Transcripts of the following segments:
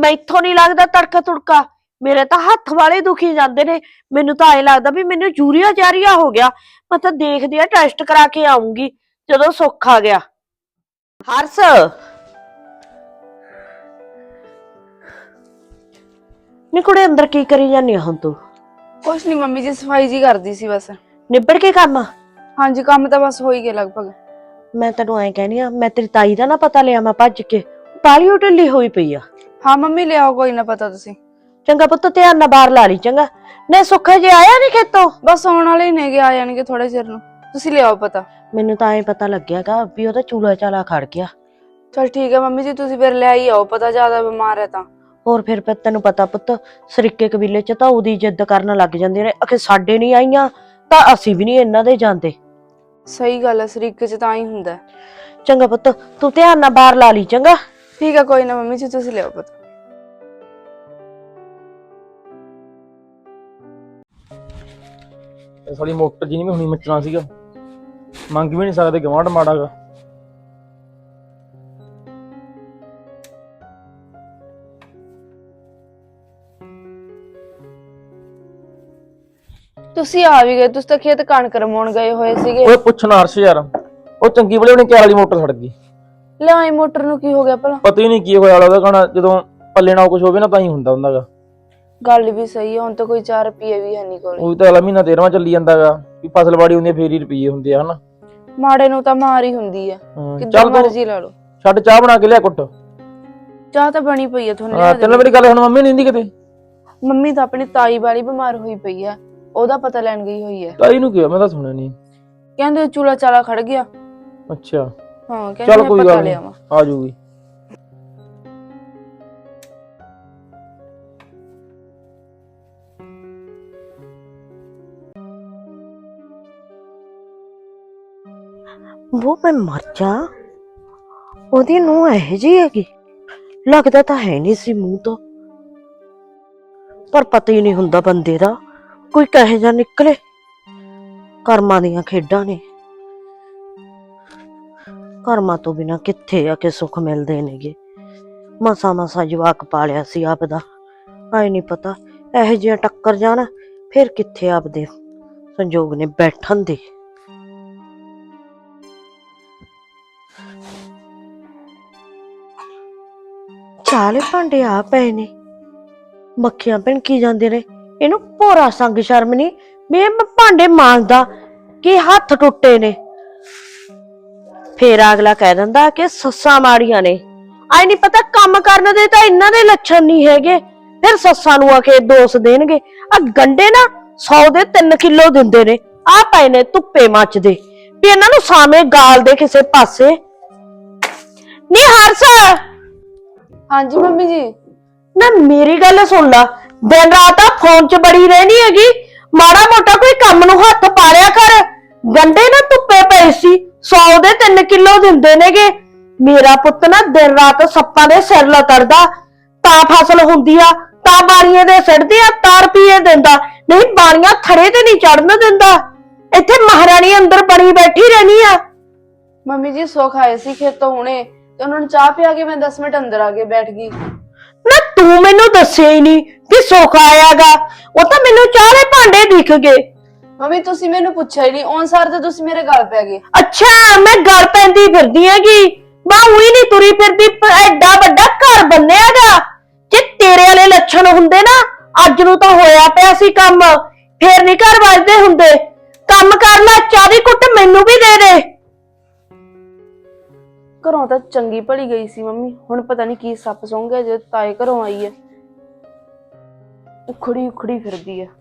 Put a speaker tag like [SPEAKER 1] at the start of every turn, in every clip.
[SPEAKER 1] ਮੈਥੋਂ ਨਹੀਂ ਲੱਗਦਾ ਤੜਕਾ ਤੁੜਕਾ। ਮੇਰੇ ਤਾਂ ਹੱਥ ਵਾਲੇ ਦੁਖੀ ਜਾਂਦੇ ਨੇ। ਮੈਨੂੰ ਤਾਂ ਐ ਲੱਗਦਾ ਵੀ ਮੈਨੂੰ ਯੂਰੀਆ ਜਾਰੀਆ ਹੋ ਗਿਆ। ਮੈਂ ਤਾਂ ਦੇਖਦੀ ਆ ਟੈਸਟ ਕਰਾ ਕੇ ਆਉਂਗੀ ਜਦੋਂ ਸੁੱਖ ਆ ਗਿਆ। ਹਰਸ ਨੀ ਕੁੜੇ ਅੰਦਰ ਕੀ ਕਰੀ ਜਾਂਦੀ ਆ ਹੁਣ ਤੂੰ?
[SPEAKER 2] ਕੁਛ ਨਹੀਂ ਮੰਮੀ ਜੀ, ਸਫਾਈ ਜੀ ਕਰਦੀ ਸੀ ਬਸ।
[SPEAKER 1] ਨਿਬੜ ਕੇ ਕੰਮ?
[SPEAKER 2] ਹਾਂਜੀ, ਕੰਮ ਤਾਂ ਬਸ ਹੋ ਹੀ ਗਿਆ ਲਗਭਗ।
[SPEAKER 1] ਮੈਂ ਤੈਨੂੰ ਐਂ ਕਹਿਨੀ ਆ, ਮੈਂ ਤੇਰੀ ਤਾਈ ਦਾ ਨਾ ਪਤਾ ਲਿਆ ਮੈਂ ਭੱਜ ਕੇ। ਬਾਲੀ ਢਿੱਲੀ ਹੋਈ ਪਈ ਆ।
[SPEAKER 2] ਹਾਂ ਮੰਮੀ, ਲਿਆਓ, ਕੋਈ ਨਾ ਪਤਾ ਤੁਸੀਂ।
[SPEAKER 1] ਚੰਗਾ ਪੁੱਤ, ਧਿਆਨ ਨਾਲ ਬਾਹਰ ਲਾ ਲਈ ਚੰਗਾ। ਨੇ ਸੁੱਖਾ ਜੇ ਆਇਆ ਨੀ ਖੇਤੋਂ?
[SPEAKER 2] ਬਸ ਆਉਣ ਵਾਲੇ ਹੀ ਨੇਗੇ, ਆ ਜਾਣਗੇ ਥੋੜੇ ਚਿਰ ਨੂੰ। ਤੁਸੀਂ ਲਿਆਓ ਪਤਾ।
[SPEAKER 1] ਮੈਨੂੰ ਤਾਂ ਐਂ ਪਤਾ ਲੱਗਿਆਗਾ ਵੀ ਉਹਦਾ ਚੂਲਾ ਚਾਲਾ ਖੜ ਗਿਆ।
[SPEAKER 2] ਚਲ ਠੀਕ ਹੈ ਮੰਮੀ ਜੀ, ਤੁਸੀਂ ਫਿਰ ਲੈ ਹੀ ਆਓ ਪਤਾ, ਜ਼ਿਆਦਾ ਬਿਮਾਰ ਹੈ ਤਾਂ।
[SPEAKER 1] ਹੋਰ ਫਿਰ ਤੈਨੂੰ ਪਤਾ ਪੁੱਤ, ਸਰੀਕੇ ਕਬੀਲੇ ਚ ਤਾਂ ਉਹਦੀ ਜਿੱਦ ਕਰਨ ਲੱਗ ਜਾਂਦੇ ਨੇ। ਅਖੇ ਸਾਡੇ ਨਹੀਂ ਆਈਆਂ ਤਾਂ ਅਸੀਂ ਵੀ ਨਹੀਂ ਇਹਨਾਂ ਦੇ ਜਾਂਦੇ।
[SPEAKER 2] ਸਹੀ ਗੱਲ ਹੈ, ਸਰੀਕੇ ਚ ਤਾਂ ਹੀ ਹੁੰਦਾ।
[SPEAKER 1] ਚੰਗਾ ਪੁੱਤ, ਤੂੰ ਧਿਆਨ ਨਾਲ ਬਾਹਰ ਲਾ ਲਈ ਚੰਗਾ।
[SPEAKER 2] ਠੀਕ ਹੈ, ਕੋਈ ਨਾ ਮੰਮੀ ਜੀ, ਤੁਸੀਂ ਲਿਆਓ ਪਤਾ।
[SPEAKER 3] ਸਾਡੀ ਮੋਟਰ ਜੀ ਨਹੀਂ ਹੁਣੀ ਮਚਣਾ ਸੀਗਾ, ਮੰਗ ਵੀ ਨਹੀਂ ਸਕਦੇ, ਗਵਾਂਢ ਮਾੜਾਗਾ।
[SPEAKER 2] ਤੁਸੀਂ ਆ ਵੀ ਗਏ, ਤੁਸੀਂ ਤਾਂ ਖੇਤ ਕਣਕ ਰਮਾਉਣ ਗਏ ਹੋਏ ਸੀਗੇ।
[SPEAKER 3] ਓਏ ਪੁੱਛਣਾ ਹਰਸ਼ ਯਾਰ, ਉਹ ਚੰਗੀ ਬਲੇ ਉਹਨੇ ਕਿਆ ਵਾਲੀ ਮੋਟਰ ਸੜ ਗਈ।
[SPEAKER 2] ਲਿਆਈ ਮੋਟਰ ਨੂੰ ਕੀ ਹੋ ਗਿਆ ਭਲਾ?
[SPEAKER 3] ਪਤਾ ਹੀ ਨਹੀਂ ਕੀ ਹੋਇਆ ਉਹਦਾ ਕਹਣਾ, ਜਦੋਂ ਪੱਲੇ ਨਾਲ ਕੁਝ ਹੋਵੇ ਨਾ ਤਾਂ ਹੀ ਹੁੰਦਾ ਹੁੰਦਾਗਾ।
[SPEAKER 2] ਗੱਲ ਵੀ ਸਹੀ ਹੈ, ਹੁਣ ਤਾਂ ਕੋਈ 4 ਰੁਪਏ ਵੀ ਹੈ ਨਹੀਂ ਕੋਲ।
[SPEAKER 3] ਉਹ ਤਾਂ ਅਗਲਾ ਮਹੀਨਾ 13ਵਾਂ ਚੱਲੀ ਜਾਂਦਾਗਾ ਵੀ ਫਸਲਵਾੜੀ ਹੁੰਦੀ ਫੇਰ ਹੀ ਰੁਪਈਏ ਹੁੰਦੇ ਆ ਹਨਾ।
[SPEAKER 2] ਮਾੜੇ ਨੂੰ ਤਾਂ ਮਾਰ ਹੀ ਹੁੰਦੀ ਆ, ਕਿੱਦਾਂ
[SPEAKER 3] ਚੱਲ
[SPEAKER 2] ਮਰਜ਼ੀ ਲਾ ਲਓ।
[SPEAKER 3] ਛੱਡ, ਚਾਹ ਬਣਾ ਕੇ ਲਿਆ ਕੁੱਟ।
[SPEAKER 2] ਚਾਹ ਤਾਂ ਬਣੀ ਪਈ ਆ ਤੁਹਾਨੂੰ।
[SPEAKER 3] ਹਾਂ ਤੈਨੂੰ ਮੇਰੀ ਗੱਲ ਹੁਣ ਮੰਮੀ ਨਹੀਂ ਹੁੰਦੀ ਕਿਤੇ?
[SPEAKER 2] ਮੰਮੀ ਤਾਂ ਆਪਣੀ ਤਾਈ ਵਾਲੀ ਬਿਮਾਰ ਹੋਈ ਪਈ ਆ, ਉਹਦਾ ਪਤਾ ਲੈਣ ਗਈ ਹੋਈ ਹੈ।
[SPEAKER 3] ਤਾਈ ਨੂੰ ਕੀ? ਮੈਂ ਤਾਂ ਸੁਣਿਆ ਨਹੀਂ।
[SPEAKER 2] ਕਹਿੰਦੇ ਚੂਲਾ ਚਾਲਾ ਖੜ ਗਿਆ।
[SPEAKER 3] ਅੱਛਾ
[SPEAKER 2] ਹਾਂ,
[SPEAKER 3] ਚੱਲ
[SPEAKER 2] ਕਹਿੰਦੇ
[SPEAKER 3] ਕੋਈ
[SPEAKER 2] ਪਤਾ
[SPEAKER 3] ਗੱਲ
[SPEAKER 2] ਲਿਆ
[SPEAKER 3] ਨਹੀਂ,
[SPEAKER 2] ਵਾ।
[SPEAKER 3] ਆ ਜੂਗੀ।
[SPEAKER 1] ਉਹ ਮੈਂ ਮਰ ਜਾ, ਉਹਦੀ ਨੂੰਹ ਇਹੋ ਜਿਹੀ ਹੈਗੀ? ਲੱਗਦਾ ਤਾਂ ਹੈ ਨਹੀਂ ਸੀ ਮੂੰਹ ਤੋਂ, ਪਰ ਪਤਾ ਹੀ ਨਹੀਂ ਹੁੰਦਾ ਬੰਦੇ ਦਾ, ਕੋਈ ਕਹੇ ਜਾ ਨਿਕਲੇ। ਕਰਮਾਂ ਦੀਆਂ ਖੇਡਾਂ ਨੇ। ਕਰਮਾਂ ਤੋਂ ਬਿਨਾਂ ਕਿੱਥੇ ਆ ਕੇ ਸੁੱਖ ਮਿਲਦੇ ਨੇਗੇ। ਮਸਾ ਮਸਾ ਜਵਾਕ ਪਾਲਿਆ ਸੀ ਆਪਦਾ, ਆਏ ਨਹੀਂ ਪਤਾ ਇਹੋ ਜਿਹਾ ਟੱਕਰ ਜਾਣ ਫਿਰ ਕਿੱਥੇ ਆਪਦੇ ਸੰਜੋਗ ਨੇ ਬੈਠਣ ਦੇ। ਚਾਲੇ ਭਾਂਡੇ ਆ ਪਏ ਨੇ, ਮੱਖੀਆਂ ਭਿਣਕੀ ਜਾਂਦੇ ਨੇ। ਇਹਨੂੰ ਭੋਰਾ ਸੰਗ ਸ਼ਰਮ ਨਹੀਂ ਵੀ ਇਹ ਭਾਂਡੇ ਮਾਂਜਦਾ ਕਿ ਹੱਥ ਟੁੱਟੇ ਨੇ। ਫੇਰ ਅਗਲਾ ਕਹਿ ਦਿੰਦਾ ਕਿ ਸੱਸਾਂ ਮਾੜੀਆਂ ਨੇ। ਆਈ ਨਹੀਂ ਪਤਾ ਕੰਮ ਕਰਨ ਦੇ ਤਾਂ ਇਹਨਾਂ ਦੇ ਲੱਛਣ ਨਹੀਂ ਹੈਗੇ, ਫਿਰ ਸੱਸਾਂ ਨੂੰ ਆ ਕੇ ਦੋਸ਼ ਦੇਣਗੇ। ਆ ਗੰਡੇ ਨਾ 100 ਦੇ 3 ਕਿਲੋ ਦਿੰਦੇ ਨੇ, ਆ ਪਏ ਨੇ ਧੁੱਪੇ ਮੱਚਦੇ, ਵੀ ਇਹਨਾਂ ਨੂੰ ਸਾਵੇਂ ਗਾਲ ਦੇ ਕਿਸੇ ਪਾਸੇ। ਨੀ ਹਰਸ,
[SPEAKER 2] ਹਾਂਜੀ ਮੰਮੀ ਜੀ।
[SPEAKER 1] ਨਾ ਮੇਰੀ ਗੱਲ ਸੁਣ ਲਾ, ਦਿਨ ਰਾਤ ਆ ਫੋਨ 'ਚ ਬੜੀ ਰਹਿਣੀ ਹੈਗੀ, ਮਾੜਾ ਮੋਟਾ ਕੋਈ ਕੰਮ ਨੂੰ ਹੱਥ ਪਾ ਲਿਆ ਕਰ। ਗੰਡੇ ਨਾ ਧੁੱਪੇ ਪਏ ਸੀ, 100 ਦੇ 3 ਕਿਲੋ ਦਿੰਦੇ ਨੇਗੇ। ਮੇਰਾ ਪੁੱਤ ਨਾ ਦਿਨ ਰਾਤ ਸੱਪਾਂ ਦੇ ਸਿਰ ਲਤੜਦਾ, ਤਾਂ ਫਸਲ ਹੁੰਦੀ ਆ, ਤਾਂ ਬਾਣੀਆਂ ਦੇ ਸਿੱਟਦੇ ਆ, ਤਾਂ ਰੁਪਈਏ ਦਿੰਦਾ, ਨਹੀਂ ਬਾਣੀਆਂ ਥੜੇ ਤੇ ਨਹੀਂ ਚੜਨ ਦਿੰਦਾ। ਇੱਥੇ ਮਹਾਰਾਣੀ ਅੰਦਰ ਬਣੀ ਬੈਠੀ ਰਹਿਣੀ ਆ।
[SPEAKER 2] ਮੰਮੀ ਜੀ ਸੁੱਖ ਆਏ ਸੀ ਖੇਤੋਂ ਹੁਣੇ, ਤੇ ਉਹਨਾਂ ਨੂੰ ਚਾਹ ਪਿਆ ਕੇ ਮੈਂ 10 ਮਿੰਟ ਅੰਦਰ ਆ ਕੇ ਬੈਠ ਗਈ।
[SPEAKER 1] ਨਾ ਤੂੰ ਮੈਨੂੰ ਦੱਸਿਆ ਹੀ ਨਹੀਂ ਕਿ ਸੁੱਖ ਆਇਆਗਾ, ਉਹ ਤਾਂ ਮੈਨੂੰ ਚਾਹ ਦੇ ਭਾਂਡੇ ਦਿਖ ਗਏ।
[SPEAKER 2] ਮੰਮੀ ਤੁਸੀਂ ਮੈਨੂੰ ਪੁੱਛਿਆ ਹੀ ਨਹੀਂ, ਔਨ ਸਾਰ ਤੇ ਤੁਸੀਂ ਮੇਰੇ ਗਲ ਪੈ ਗਏ।
[SPEAKER 1] ਅੱਛਾ, ਮੈਂ ਗੱਲ ਪੈਂਦੀ ਫਿਰਦੀ ਹੈਗੀ, ਮੈਂ ਉਹੀ ਨਹੀਂ ਤੁਰੀ ਫਿਰਦੀ। ਐਡਾ ਵੱਡਾ ਘਰ ਬੰਨਿਆਗਾ, ਜੇ ਤੇਰੇ ਵਾਲੇ ਲੱਛਣ ਹੁੰਦੇ ਨਾ ਅੱਜ ਨੂੰ ਤਾਂ ਹੋਇਆ ਪਿਆ ਸੀ ਕੰਮ, ਫੇਰ ਨਹੀਂ ਘਰ ਵੱਜਦੇ ਹੁੰਦੇ। ਕੰਮ ਕਰ ਲੈ, ਚਾਹ ਦੀ ਘੁੱਟ ਮੈਨੂੰ ਵੀ ਦੇ ਦੇ।
[SPEAKER 2] ਘਰੋਂ ਤਾਂ ਚੰਗੀ ਭਲੀ ਗਈ ਸੀ ਮੰਮੀ, ਹੁਣ ਪਤਾ ਨਹੀਂ ਕੀ ਸੱਪ ਸੌਂ ਗਿਆ ਜੇ ਤਾਏ ਘਰੋਂ ਆਈ ਹੈ। ਉਖੜੀ ਉਖੜੀ ਫਿਰਦੀ ਹੈ।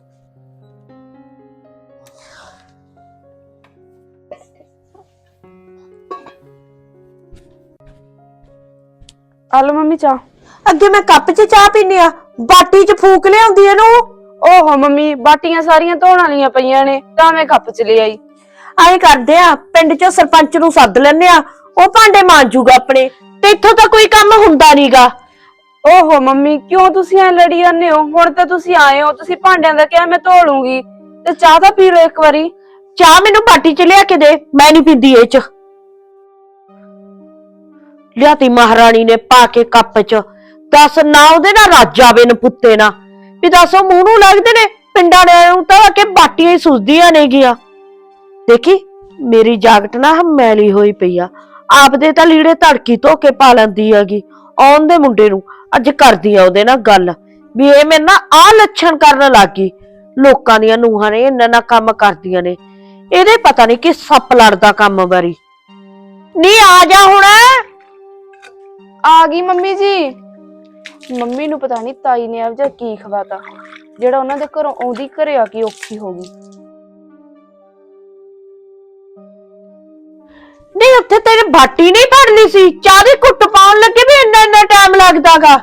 [SPEAKER 2] ਆਲੋ ਮੰਮੀ ਚਾਹ।
[SPEAKER 1] ਅੱਗੇ ਮੈਂ ਕੱਪ 'ਚ ਚਾਹ ਪੀਨੀ ਆ, ਬਾਟੀ 'ਚ ਫੂਕ ਲਿਆਉਂਦੀ ਇਹਨੂੰ।
[SPEAKER 2] ਓਹੋ ਮੰਮੀ, ਬਾਟੀਆਂ ਸਾਰੀਆਂ ਧੋਣ ਵਾਲੀਆਂ ਪਈਆਂ ਨੇ, ਤਾਂ ਮੈਂ ਕੱਪ 'ਚ ਲੈ ਆਈ।
[SPEAKER 1] ਆਏ ਕਰਦੇ ਆ, ਪਿੰਡ 'ਚ ਸਰਪੰਚ ਨੂੰ ਸੱਦ ਲੈਨੇ ਆ, ਉਹ ਭਾਂਡੇ ਮਾਂਜੂਗਾ ਆਪਣੇ, ਤੇ ਇੱਥੋਂ ਤਾਂ ਕੋਈ ਕੰਮ ਹੁੰਦਾ ਨਹੀਂਗਾ।
[SPEAKER 2] ਓਹੋ ਮੰਮੀ, ਕਿਉਂ ਤੁਸੀਂ ਐ ਲੜੀ ਜਾਂਦੇ ਹੋ? ਹੁਣ ਤਾਂ ਤੁਸੀਂ ਆਏ ਹੋ, ਤੁਸੀਂ ਭਾਂਡਿਆਂ ਦਾ ਕਿਹਾ ਮੈਂ ਧੋ ਲੂੰਗੀ, ਤੇ ਚਾਹ ਤਾਂ ਪੀ ਲਓ ਇੱਕ ਵਾਰੀ।
[SPEAKER 1] ਚਾਹ ਮੈਨੂੰ ਬਾਟੀ 'ਚ ਲਿਆ ਕੇ ਦੇ, ਮੈਂ ਨਹੀਂ ਪੀਂਦੀ ਇਹ 'ਚ। ਲਿਆਤੀ ਮਹਾਰਾਣੀ ਨੇ ਪਾ ਕੇ ਕੱਪ 'ਚ, ਦੱਸ ਨਾ ਉਹਦੇ ਨਾਲ ਰਾਜਾਵੇ ਨਪੁੱਤੇ ਨਾ ਵੀ ਦੱਸ ਉਹ ਮੂੰਹ ਨੂੰ ਲੱਗਦੇ ਨੇ ਪਿੰਡਾਂ ਦੇ ਨੂੰ ਤਾਂ ਕਿ ਬਾਟੀਆਂ ਹੀ ਸੁੱਜਦੀਆਂ ਨੇ ਗਿਆ। ਦੇਖੀ ਮੇਰੀ ਜਾਕਟ ਨਾ ਮੈਲੀ ਹੋਈ ਪਈ ਆ, ਆਪਦੇ ਤਾਂ ਲੀੜੇ ਧੜਕੀ ਧੋ ਕੇ ਪਾ ਲੈਂਦੀ ਹੈਗੀ। ਆਉਣ ਦੇ ਮੁੰਡੇ ਨੂੰ ਅੱਜ ਕਰਦੀ ਆ ਉਹਦੇ ਨਾਲ ਗੱਲ ਵੀ ਇਹ ਮੇਰੇ ਨਾਲ ਆਹ ਲੱਛਣ ਕਰਨ ਲੱਗ ਗਈ। ਲੋਕਾਂ ਦੀਆਂ ਨੂੰਹਾਂ ਨੇ ਇੰਨਾ ਨਾ ਕੰਮ ਕਰਦੀਆਂ ਨੇ, ਇਹਦੇ ਪਤਾ ਨਹੀਂ ਕਿ ਸੱਪ ਲੜਦਾ ਕੰਮ ਵਾਰੀ। ਨੀ ਆ ਜਾ ਹੁਣ।
[SPEAKER 2] ਆ ਗਈ ਮੰਮੀ ਜੀ। ਮੰਮੀ ਨੂੰ ਪਤਾ ਨਹੀਂ ਤਾਈ ਨੇ ਆਪ ਜਾ ਕੀ ਖਵਾਤਾ ਜਿਹੜਾ ਉਹਨਾਂ ਦੇ ਘਰੋਂ ਆਉਂਦੀ ਘਰੇ ਆ ਕੇ ਔਖੀ ਹੋ ਗਈ।
[SPEAKER 1] ਨਹੀਂ ਉੱਥੇ ਤੇਰੇ ਬਾਟੀ ਨਹੀਂ ਭਰਨੀ ਸੀ, ਚਾਹ ਦੀ ਘੁੱਟ ਪਾਉਣ ਲੱਗੇ ਵੀ ਇੰਨਾ ਟਾਈਮ ਲੱਗਦਾਗਾ।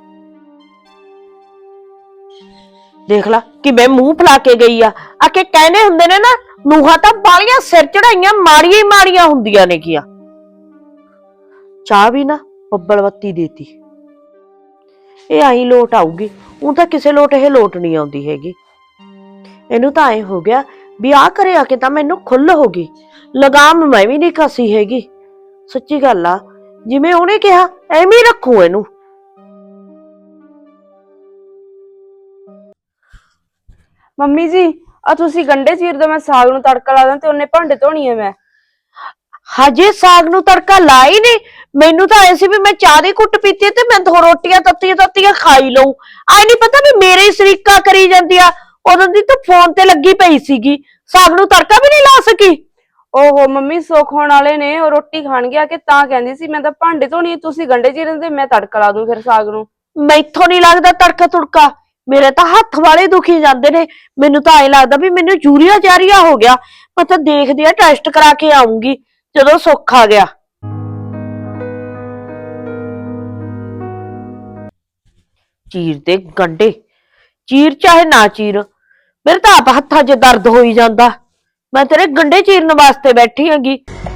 [SPEAKER 1] ਦੇਖ ਲਾ ਕਿਵੇਂ ਮੂੰਹ ਫਲਾ ਕੇ ਗਈ ਆ ਕੇ ਕਹਿੰਦੇ ਹੁੰਦੇ ਨੇ ਨਾ ਨੂੰਹਾਂ ਤਾਂ ਬਾਲੀਆਂ ਸਿਰ ਚੜਾਈਆਂ ਮਾੜੀਆਂ ਹੀ ਮਾੜੀਆਂ ਹੁੰਦੀਆਂ ਨੇ ਕੀਆ। ਚਾਹ ਵੀ ਨਾ ਬੱਬਲ ਬੱਤੀ ਦੇਤੀ, ਇਹ ਆਈ ਲੋਟ ਆਊਗੀ। ਉਹ ਤਾਂ ਕਿਸੇ ਲੋਟ ਇਹ ਲੋਟ ਨਹੀਂ ਆਉਂਦੀ ਹੈਗੀ। ਇਹਨੂੰ ਤਾਂ ਐ ਹੋ ਗਿਆ ਵੀ ਆਹ ਘਰੇ ਆ ਕੇ ਤਾਂ ਮੈਨੂੰ ਖੁੱਲ ਹੋ ਗਈ, ਲਗਾਮ ਮੈਂ ਵੀ ਨਹੀਂ ਕੱਸੀ ਹੈਗੀ। ਸੱਚੀ ਗੱਲ ਆ, ਜਿਵੇਂ ਉਹਨੇ ਕਿਹਾ ਐਵੇਂ ਹੀ ਰੱਖੂ ਇਹਨੂੰ।
[SPEAKER 2] ਮੰਮੀ ਜੀ ਆ ਤੁਸੀਂ ਗੰਡੇ ਚੀਰ ਦੋ, ਮੈਂ ਸਾਗ ਨੂੰ ਤੜਕਾ ਲਾ ਦਾਂ ਤੇ ਉਹਨੇ ਭਾਂਡੇ ਧੋਣੀ ਐ। ਮੈਂ
[SPEAKER 1] ਹਜੇ ਸਾਗ ਨੂੰ ਤੜਕਾ ਲਾ ਹੀ ਨਹੀਂ। ਮੈਨੂੰ ਤਾਂ ਐ ਸੀ ਵੀ ਮੈਂ ਚਾਹ ਦੀ ਘੁੱਟ ਪੀਤੀ ਤੇ ਮੈਂ ਦੋ ਰੋਟੀਆਂ ਤੱਤੀਆਂ ਖਾਈ ਲਊ। ਆਈ ਨਹੀਂ ਪਤਾ ਵੀ ਮੇਰੇ ਹੀ ਸ਼ਰੀਕਾ ਕਰੀ ਜਾਂਦੀ ਆ। ਉਦੋਂ ਦੀ ਤਾਂ ਫੋਨ ਤੇ ਲੱਗੀ ਪਈ ਸੀਗੀ, ਸਾਗ ਨੂੰ ਤੜਕਾ ਵੀ ਨਹੀਂ ਲਾ ਸਕੀ।
[SPEAKER 2] ਓਹੋ ਮੰਮੀ ਸੁੱਖ ਹੋਣ ਵਾਲੇ ਨੇ, ਉਹ ਰੋਟੀ ਖਾਣਗੇ ਆ ਕੇ ਤਾਂ ਕਹਿੰਦੀ ਸੀ ਮੈਂ ਤਾਂ ਭਾਂਡੇ ਧੋਣੀ, ਤੁਸੀਂ ਗੰਡੇ ਚੀਰਨ ਤੇ ਮੈਂ ਤੜਕਾ ਲਾ ਦੂੰ ਫਿਰ ਸਾਗ ਨੂੰ।
[SPEAKER 1] ਮੈਥੋਂ ਨਹੀਂ ਲੱਗਦਾ ਤੜਕਾ ਤੁੜਕਾ, ਮੇਰੇ ਤਾਂ ਹੱਥ ਵਾਲੇ ਦੁਖੀ ਜਾਂਦੇ ਨੇ। ਮੈਨੂੰ ਤਾਂ ਐ ਲੱਗਦਾ ਵੀ ਮੈਨੂੰ ਯੂਰੀਆ ਜਾਰੀਆ ਹੋ ਗਿਆ। ਮੈਂ ਤਾਂ ਦੇਖਦੀ ਆ ਟੈਸਟ ਕਰਾ ਕੇ ਆਉਂਗੀ ਜਦੋਂ ਸੁੱਖ ਆ ਗਿਆ। ਚੀਰ ਦੇ ਗੰਡੇ, ਚੀਰ ਚਾਹੇ ਨਾ ਚੀਰ, ਮੇਰੇ ਤਾਂ ਆਪ ਹੱਥਾਂ 'ਚ ਦਰਦ ਹੋਈ ਜਾਂਦਾ। ਮੈਂ ਤੇਰੇ ਗੰਡੇ ਚੀਰਨ ਵਾਸਤੇ ਬੈਠੀ ਹੈਗੀ।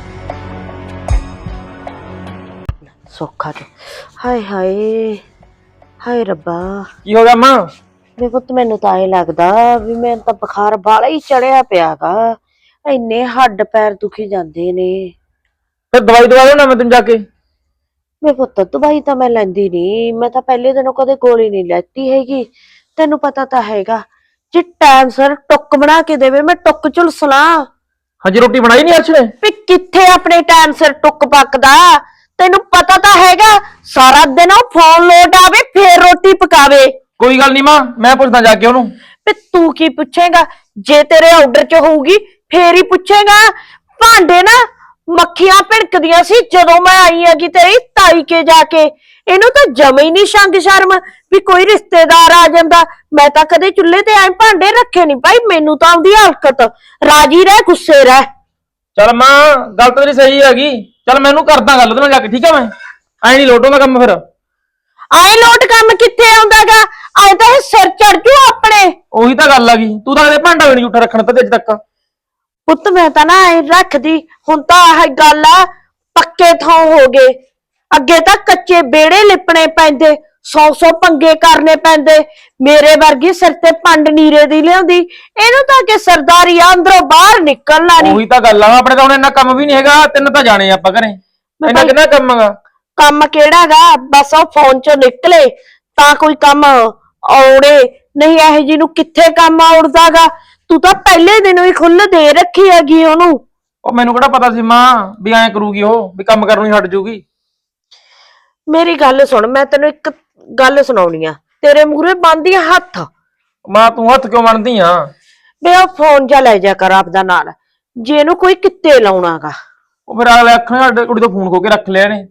[SPEAKER 1] ਸੌਖਾ ਤੇ ਹਾਏ ਹਾਏ ਹਾਏ ਰੱਬਾ।
[SPEAKER 3] ਕੀ ਹੋ ਗਿਆ ਮਾਂ?
[SPEAKER 1] ਵੇ ਪੁੱਤ ਮੈਨੂੰ ਤਾਂ ਇਹ ਲੱਗਦਾ ਵੀ ਮੈਨੂੰ ਤਾਂ ਬੁਖਾਰ ਬਾਲਾ ਹੀ ਚੜਿਆ ਪਿਆਗਾ। ਇੰਨੇ ਹੱਡ ਪੈਰ ਦੁਖੀ ਜਾਂਦੇ ਨੇ।
[SPEAKER 3] ਫਿਰ ਦਵਾਈ ਦਵਾ ਲਓ ਨਾ ਮੈਂ ਤੈਨੂੰ ਜਾ ਕੇ।
[SPEAKER 1] ਵੇ ਪੁੱਤ ਦਵਾਈ ਤਾਂ ਮੈਂ ਲੈਂਦੀ ਨੀ, ਮੈਂ ਤਾਂ ਪਹਿਲੇ ਦਿਨੋਂ ਕਦੇ ਗੋਲੀ ਨਹੀਂ ਲੈਤੀ ਹੈਗੀ। ਤੈਨੂੰ ਪਤਾ ਤਾਂ ਹੈਗਾ, ਜੇ ਟਾਈਮ ਸਿਰ ਟੁੱਕ ਬਣਾ ਕੇ ਦੇਵੇ ਮੈਂ ਟੁੱਕ ਝੁਲਸਲਾ।
[SPEAKER 3] ਹਜੇ ਰੋਟੀ ਬਣਾਈ ਨਹੀਂ ਅਰਸ਼ ਨੇ?
[SPEAKER 1] ਵੀ ਕਿੱਥੇ ਆਪਣੇ ਟਾਈਮ ਸਿਰ ਟੁੱਕ ਪੱਕਦਾ, ਤੈਨੂੰ ਪਤਾ ਤਾਂ ਹੈਗਾ। ਸਾਰਾ ਦਿਨ ਉਹ ਫੋਨ ਲੋਟ ਆਵੇ ਫੇਰ ਰੋਟੀ ਪਕਾਵੇ।
[SPEAKER 3] ਕੋਈ ਗੱਲ ਨਹੀਂ ਮਾਂ, ਮੈਂ ਪੁੱਛਦਾ ਜਾ ਕੇ ਉਹਨੂੰ।
[SPEAKER 1] ਤੇ ਤੂੰ ਕੀ ਪੁੱਛੇਗਾ? ਜੇ ਤੇਰੇ ਆਰਡਰ 'ਚ ਹੋਊਗੀ ਫੇਰ ਹੀ ਪੁੱਛੇਗਾ। ਭਾਂਡੇ ਨਾ ਮੱਖੀਆਂ ਭਿਣਕਦੀਆਂ ਸੀ ਜਦੋਂ ਮੈਂ ਆਈ ਹੈਗੀ ਤੇਰੀ ਤਾਈ ਕੇ ਜਾ ਕੇ। ਇਹਨੂੰ ਤਾਂ ਜਮੇ ਹੀ ਨਹੀਂ ਸ਼ੰਗ ਸ਼ਰਮ ਵੀ ਕੋਈ ਰਿਸ਼ਤੇਦਾਰ ਆ ਜਾਂਦਾ। ਮੈਂ ਤਾਂ ਕਦੇ ਚੁੱਲ੍ਹੇ ਤੇ ਐ ਭਾਂਡੇ ਰੱਖੇ ਨਹੀਂ ਭਾਈ, ਮੈਨੂੰ ਤਾਂ ਆਉਂਦੀ ਹਲਕਤ। ਰਾਜੀ ਰਹਿ, ਗੁੱਸੇ ਰਹਿ।
[SPEAKER 3] ਚੱਲ ਮਾਂ ਗੱਲ ਤਾਂ ਤੇਰੀ ਸਹੀ ਹੈਗੀ, ਚੱਲ ਮੈਨੂੰ ਕਰਦਾ ਗੱਲ ਉਹਦੇ ਨਾਲ ਜਾ ਕੇ, ਠੀਕ ਆ? ਮੈਂ ਐ ਨਹੀਂ ਲੋਟੋਂ ਦਾ ਕੰਮ ਫਿਰ।
[SPEAKER 1] ਆਏ ਲੋਟ ਕੰਮ ਕਿੱਥੇ ਆਉਂਦਾਗਾ? ਆਏ ਤਾਂ ਇਹ ਸਿਰ ਚੜ ਜੂ ਆਪਣੇ।
[SPEAKER 3] ਉਹੀ ਤਾਂ ਗੱਲ ਆ ਗਈ, ਤੂੰ ਤਾਂ ਕਦੇ ਭਾਂਡਾ ਵੀ ਨਹੀਂ ਝੂਠਾ ਰੱਖਣ ਤੇ ਅੱਜ ਤੱਕ।
[SPEAKER 1] ਪੁੱਤ ਮੈਂ ਤਾਂ ਨਾ ਐ ਰੱਖਦੀ, ਹੁਣ ਤਾਂ ਆਹ ਗੱਲ ਆ ਪੱਕੇ ਥਾਂ ਹੋ ਗਏ। ਅੱਗੇ ਤਾਂ ਕੱਚੇ ਵਿਹੜੇ ਲਿਪਣੇ ਪੈਂਦੇ, 100 ਪੰਗੇ ਕਰਨੇ ਪੈਂਦੇ। ਮੇਰੇ ਵਰਗੀ ਸਿਰ ਤੇ ਪੰਡ ਨੀਰੇ ਦੀ ਲਿਆਉਂਦੀ, ਇਹਨੂੰ ਤਾਂ ਕਿ ਸਰਦਾਰੀ ਆ ਅੰਦਰੋਂ ਬਾਹਰ ਨਿਕਲਣਾ ਨਹੀਂ।
[SPEAKER 3] ਉਹੀ ਤਾਂ ਗੱਲ ਆ, ਆਪਣੇ ਤਾਂ ਹੁਣ ਇੰਨਾ ਕੰਮ ਵੀ ਨਹੀਂ ਹੈਗਾ। ਤੈਨੂੰ ਤਾਂ ਜਾਣੇ ਆਪਾਂ ਘਰੇ, ਇੰਨਾ ਕਿੰਨਾ ਕੰਮ ਹੈਗਾ।
[SPEAKER 1] ਕੰਮ ਕਿਹੜਾਗਾ? ਬਸ ਉਹ ਫੋਨ ਚੋਂ ਨਿਕਲੇ ਤਾਂ ਕੋਈ ਕੰਮ ਆਉੜੇ, ਨਹੀਂ ਇਹੋ ਜੀ ਨੂੰ ਕਿੱਥੇ ਕੰਮ ਆਉੜਦਾਗਾ। ਤੂੰ ਤਾਂ ਪਹਿਲੇ ਦਿਨੋਂ ਹੀ ਖੁੱਲ ਦੇ ਰੱਖੀ ਹੈਗੀ ਉਹਨੂੰ।
[SPEAKER 3] ਉਹ ਮੈਨੂੰ ਕਿਹੜਾ ਪਤਾ ਸੀ ਮਾਂ ਵੀ ਐਂ ਕਰੂਗੀ ਉਹ, ਵੀ ਕੰਮ ਕਰਨੋਂ ਹੀ ਹਟ ਜੂਗੀ।
[SPEAKER 1] ਮੇਰੀ ਗੱਲ ਸੁਣ, ਮੈਂ ਤੈਨੂੰ ਇੱਕ ਗੱਲ ਸੁਣਾਉਣੀ ਆ। ਤੇਰੇ ਮੂਹਰੇ ਬੰਨ੍ਹਦੀ ਹੱਥ।
[SPEAKER 3] ਮਾਂ ਤੂੰ ਹੱਥ ਕਿਉਂ ਬਣਦੀ ਆ?
[SPEAKER 1] ਵੇ ਉਹ ਫੋਨ ਜਾ ਲੈ ਜਾ ਕਰ ਆਪਦਾ ਨਾਲ, ਜੇ ਇਹਨੂੰ ਕੋਈ ਕਿੱਤੇ ਲਾਉਣਾਗਾ।
[SPEAKER 3] ਉਹ ਫਿਰ ਅਗਲੇ ਅੱਖਾਂ ਸਾਡੇ ਕੁੜੀ ਤੋਂ ਫੋਨ ਖੋ ਕੇ ਰੱਖ ਲਿਆ ਨੇ।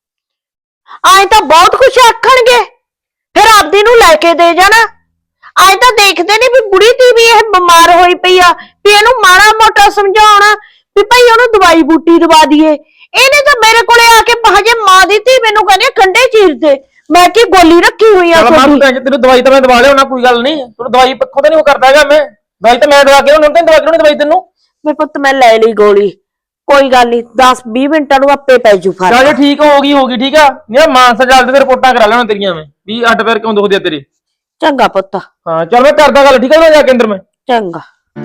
[SPEAKER 1] ਆਏ ਤਾਂ ਬਹੁਤ ਕੁਛ ਆਖਣਗੇ, ਫਿਰ ਆਪਦੀ ਨੂੰ ਲੈ ਕੇ ਦੇ ਜਾਣਾ। ਆਏ ਤਾਂ ਦੇਖਦੇ ਨੇ ਵੀ ਬੁੜੀ ਤੀ ਵੀ ਇਹ ਬਿਮਾਰ ਹੋਈ ਪਈ ਆ, ਵੀ ਇਹਨੂੰ ਮਾੜਾ ਮੋਟਾ ਸਮਝਾਉਣਾ ਵੀ ਭਾਈ ਉਹਨੂੰ ਦਵਾਈ ਬੂਟੀ ਦਵਾ ਦਈਏ। ਇਹਨੇ ਤਾਂ ਮੇਰੇ ਕੋਲੇ ਆ ਕੇ ਹਜੇ ਮਾਂ ਦੀ ਧੀ ਮੈਨੂੰ ਕਹਿੰਦੇ ਗੰਢੇ ਚੀਰ ਦੇ। ਮੈਂ ਕੀ ਗੋਲੀ ਰੱਖੀ ਹੋਈ ਆ
[SPEAKER 3] ਤੈਨੂੰ ਦਵਾਈ ਤਾਂ ਮੈਂ ਦਵਾ ਲਿਆ, ਕੋਈ ਗੱਲ ਨਹੀਂ। ਤੈਨੂੰ ਦਵਾਈ ਪੱਖੋਂ ਤਾਂ ਨਹੀਂ ਉਹ ਕਰਦਾ ਹੈਗਾ। ਮੈਂ ਦਵਾਈ ਤਾਂ ਮੈਂ ਦਵਾ ਕੇ ਉਹਨਾਂ ਨੂੰ ਦਵਾ ਕੇ ਦਵਾਈ ਤੈਨੂੰ।
[SPEAKER 1] ਮੇਰੇ ਪੁੱਤ ਮੈਂ ਲੈ ਲਈ ਗੋਲੀ, ਕੋਈ ਗੱਲ ਨਹੀਂ, 10-20 ਮਿੰਟਾਂ ਨੂੰ ਆਪੇ ਪੈ ਜੂ ਫਰਕ।
[SPEAKER 3] ਚੱਲ ਜੇ ਠੀਕ ਹੋ ਗਈ ਠੀਕ ਆ। ਨਹੀਂ ਮਾਨਸਾ ਚੱਲਦੇ ਤੇ ਰਿਪੋਰਟਾਂ ਕਰਾ ਲੈਣਾ ਤੇਰੀਆਂ ਮੈਂ, ਵੀ ਅੱਡ ਪੈਰ ਕਿਉਂ ਦੁਖਦੇ ਆ ਤੇਰੇ।
[SPEAKER 1] ਚੰਗਾ ਪੁੱਤ।
[SPEAKER 3] ਹਾਂ ਚੱਲ ਮੈਂ ਕਰਦਾ ਗੱਲ, ਠੀਕ ਆ? ਜਾ ਕੇ ਅੰਦਰ ਮੈਂ।
[SPEAKER 1] ਚੰਗਾ।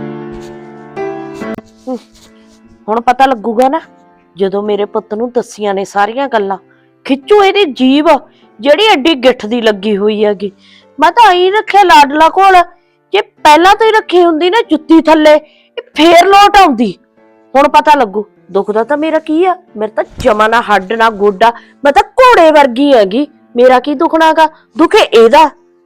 [SPEAKER 1] ਹੁਣ ਪਤਾ ਲੱਗੂਗਾ ਨਾ ਜਦੋਂ ਮੇਰੇ ਪੁੱਤ ਨੂੰ ਦੱਸੀਆਂ ਨੇ ਸਾਰੀਆਂ ਗੱਲਾਂ। ਖਿੱਚੂ ਇਹਦੀ ਜੀਭ ਜਿਹੜੀ ਐਡੀ ਗਿੱਠ ਦੀ ਲੱਗੀ ਹੋਈ ਹੈਗੀ। ਮੈਂ ਤਾਂ ਐਂ ਰੱਖਿਆ ਲਾਡਲਾ ਕੋਲ, ਜੇ ਪਹਿਲਾਂ ਤੋਂ ਹੀ ਰੱਖੀ ਹੁੰਦੀ ਨਾ ਜੁੱਤੀ ਥੱਲੇ, ਇਹ ਫੇਰ ਲੋਟ ਆਉਂਦੀ। ਹੁਣ ਪਤਾ ਲੱਗੂ ਦੁਖਦਾ ਤਾਂ ਮੇਰਾ ਕੀ ਆ। ਮੇਰੇ ਤਾਂ ਜਮਾ ਨਾ ਹੱਡ ਨਾ ਗੋਡਾ, ਮੈਂ ਤਾਂ ਘੋੜੇ ਵਰਗੀ ਹੈਗੀ। ਮੇਰਾ ਕੀ ਦੁਖਣਾਗਾ, ਦੁਖੇ ਇਹਦਾ।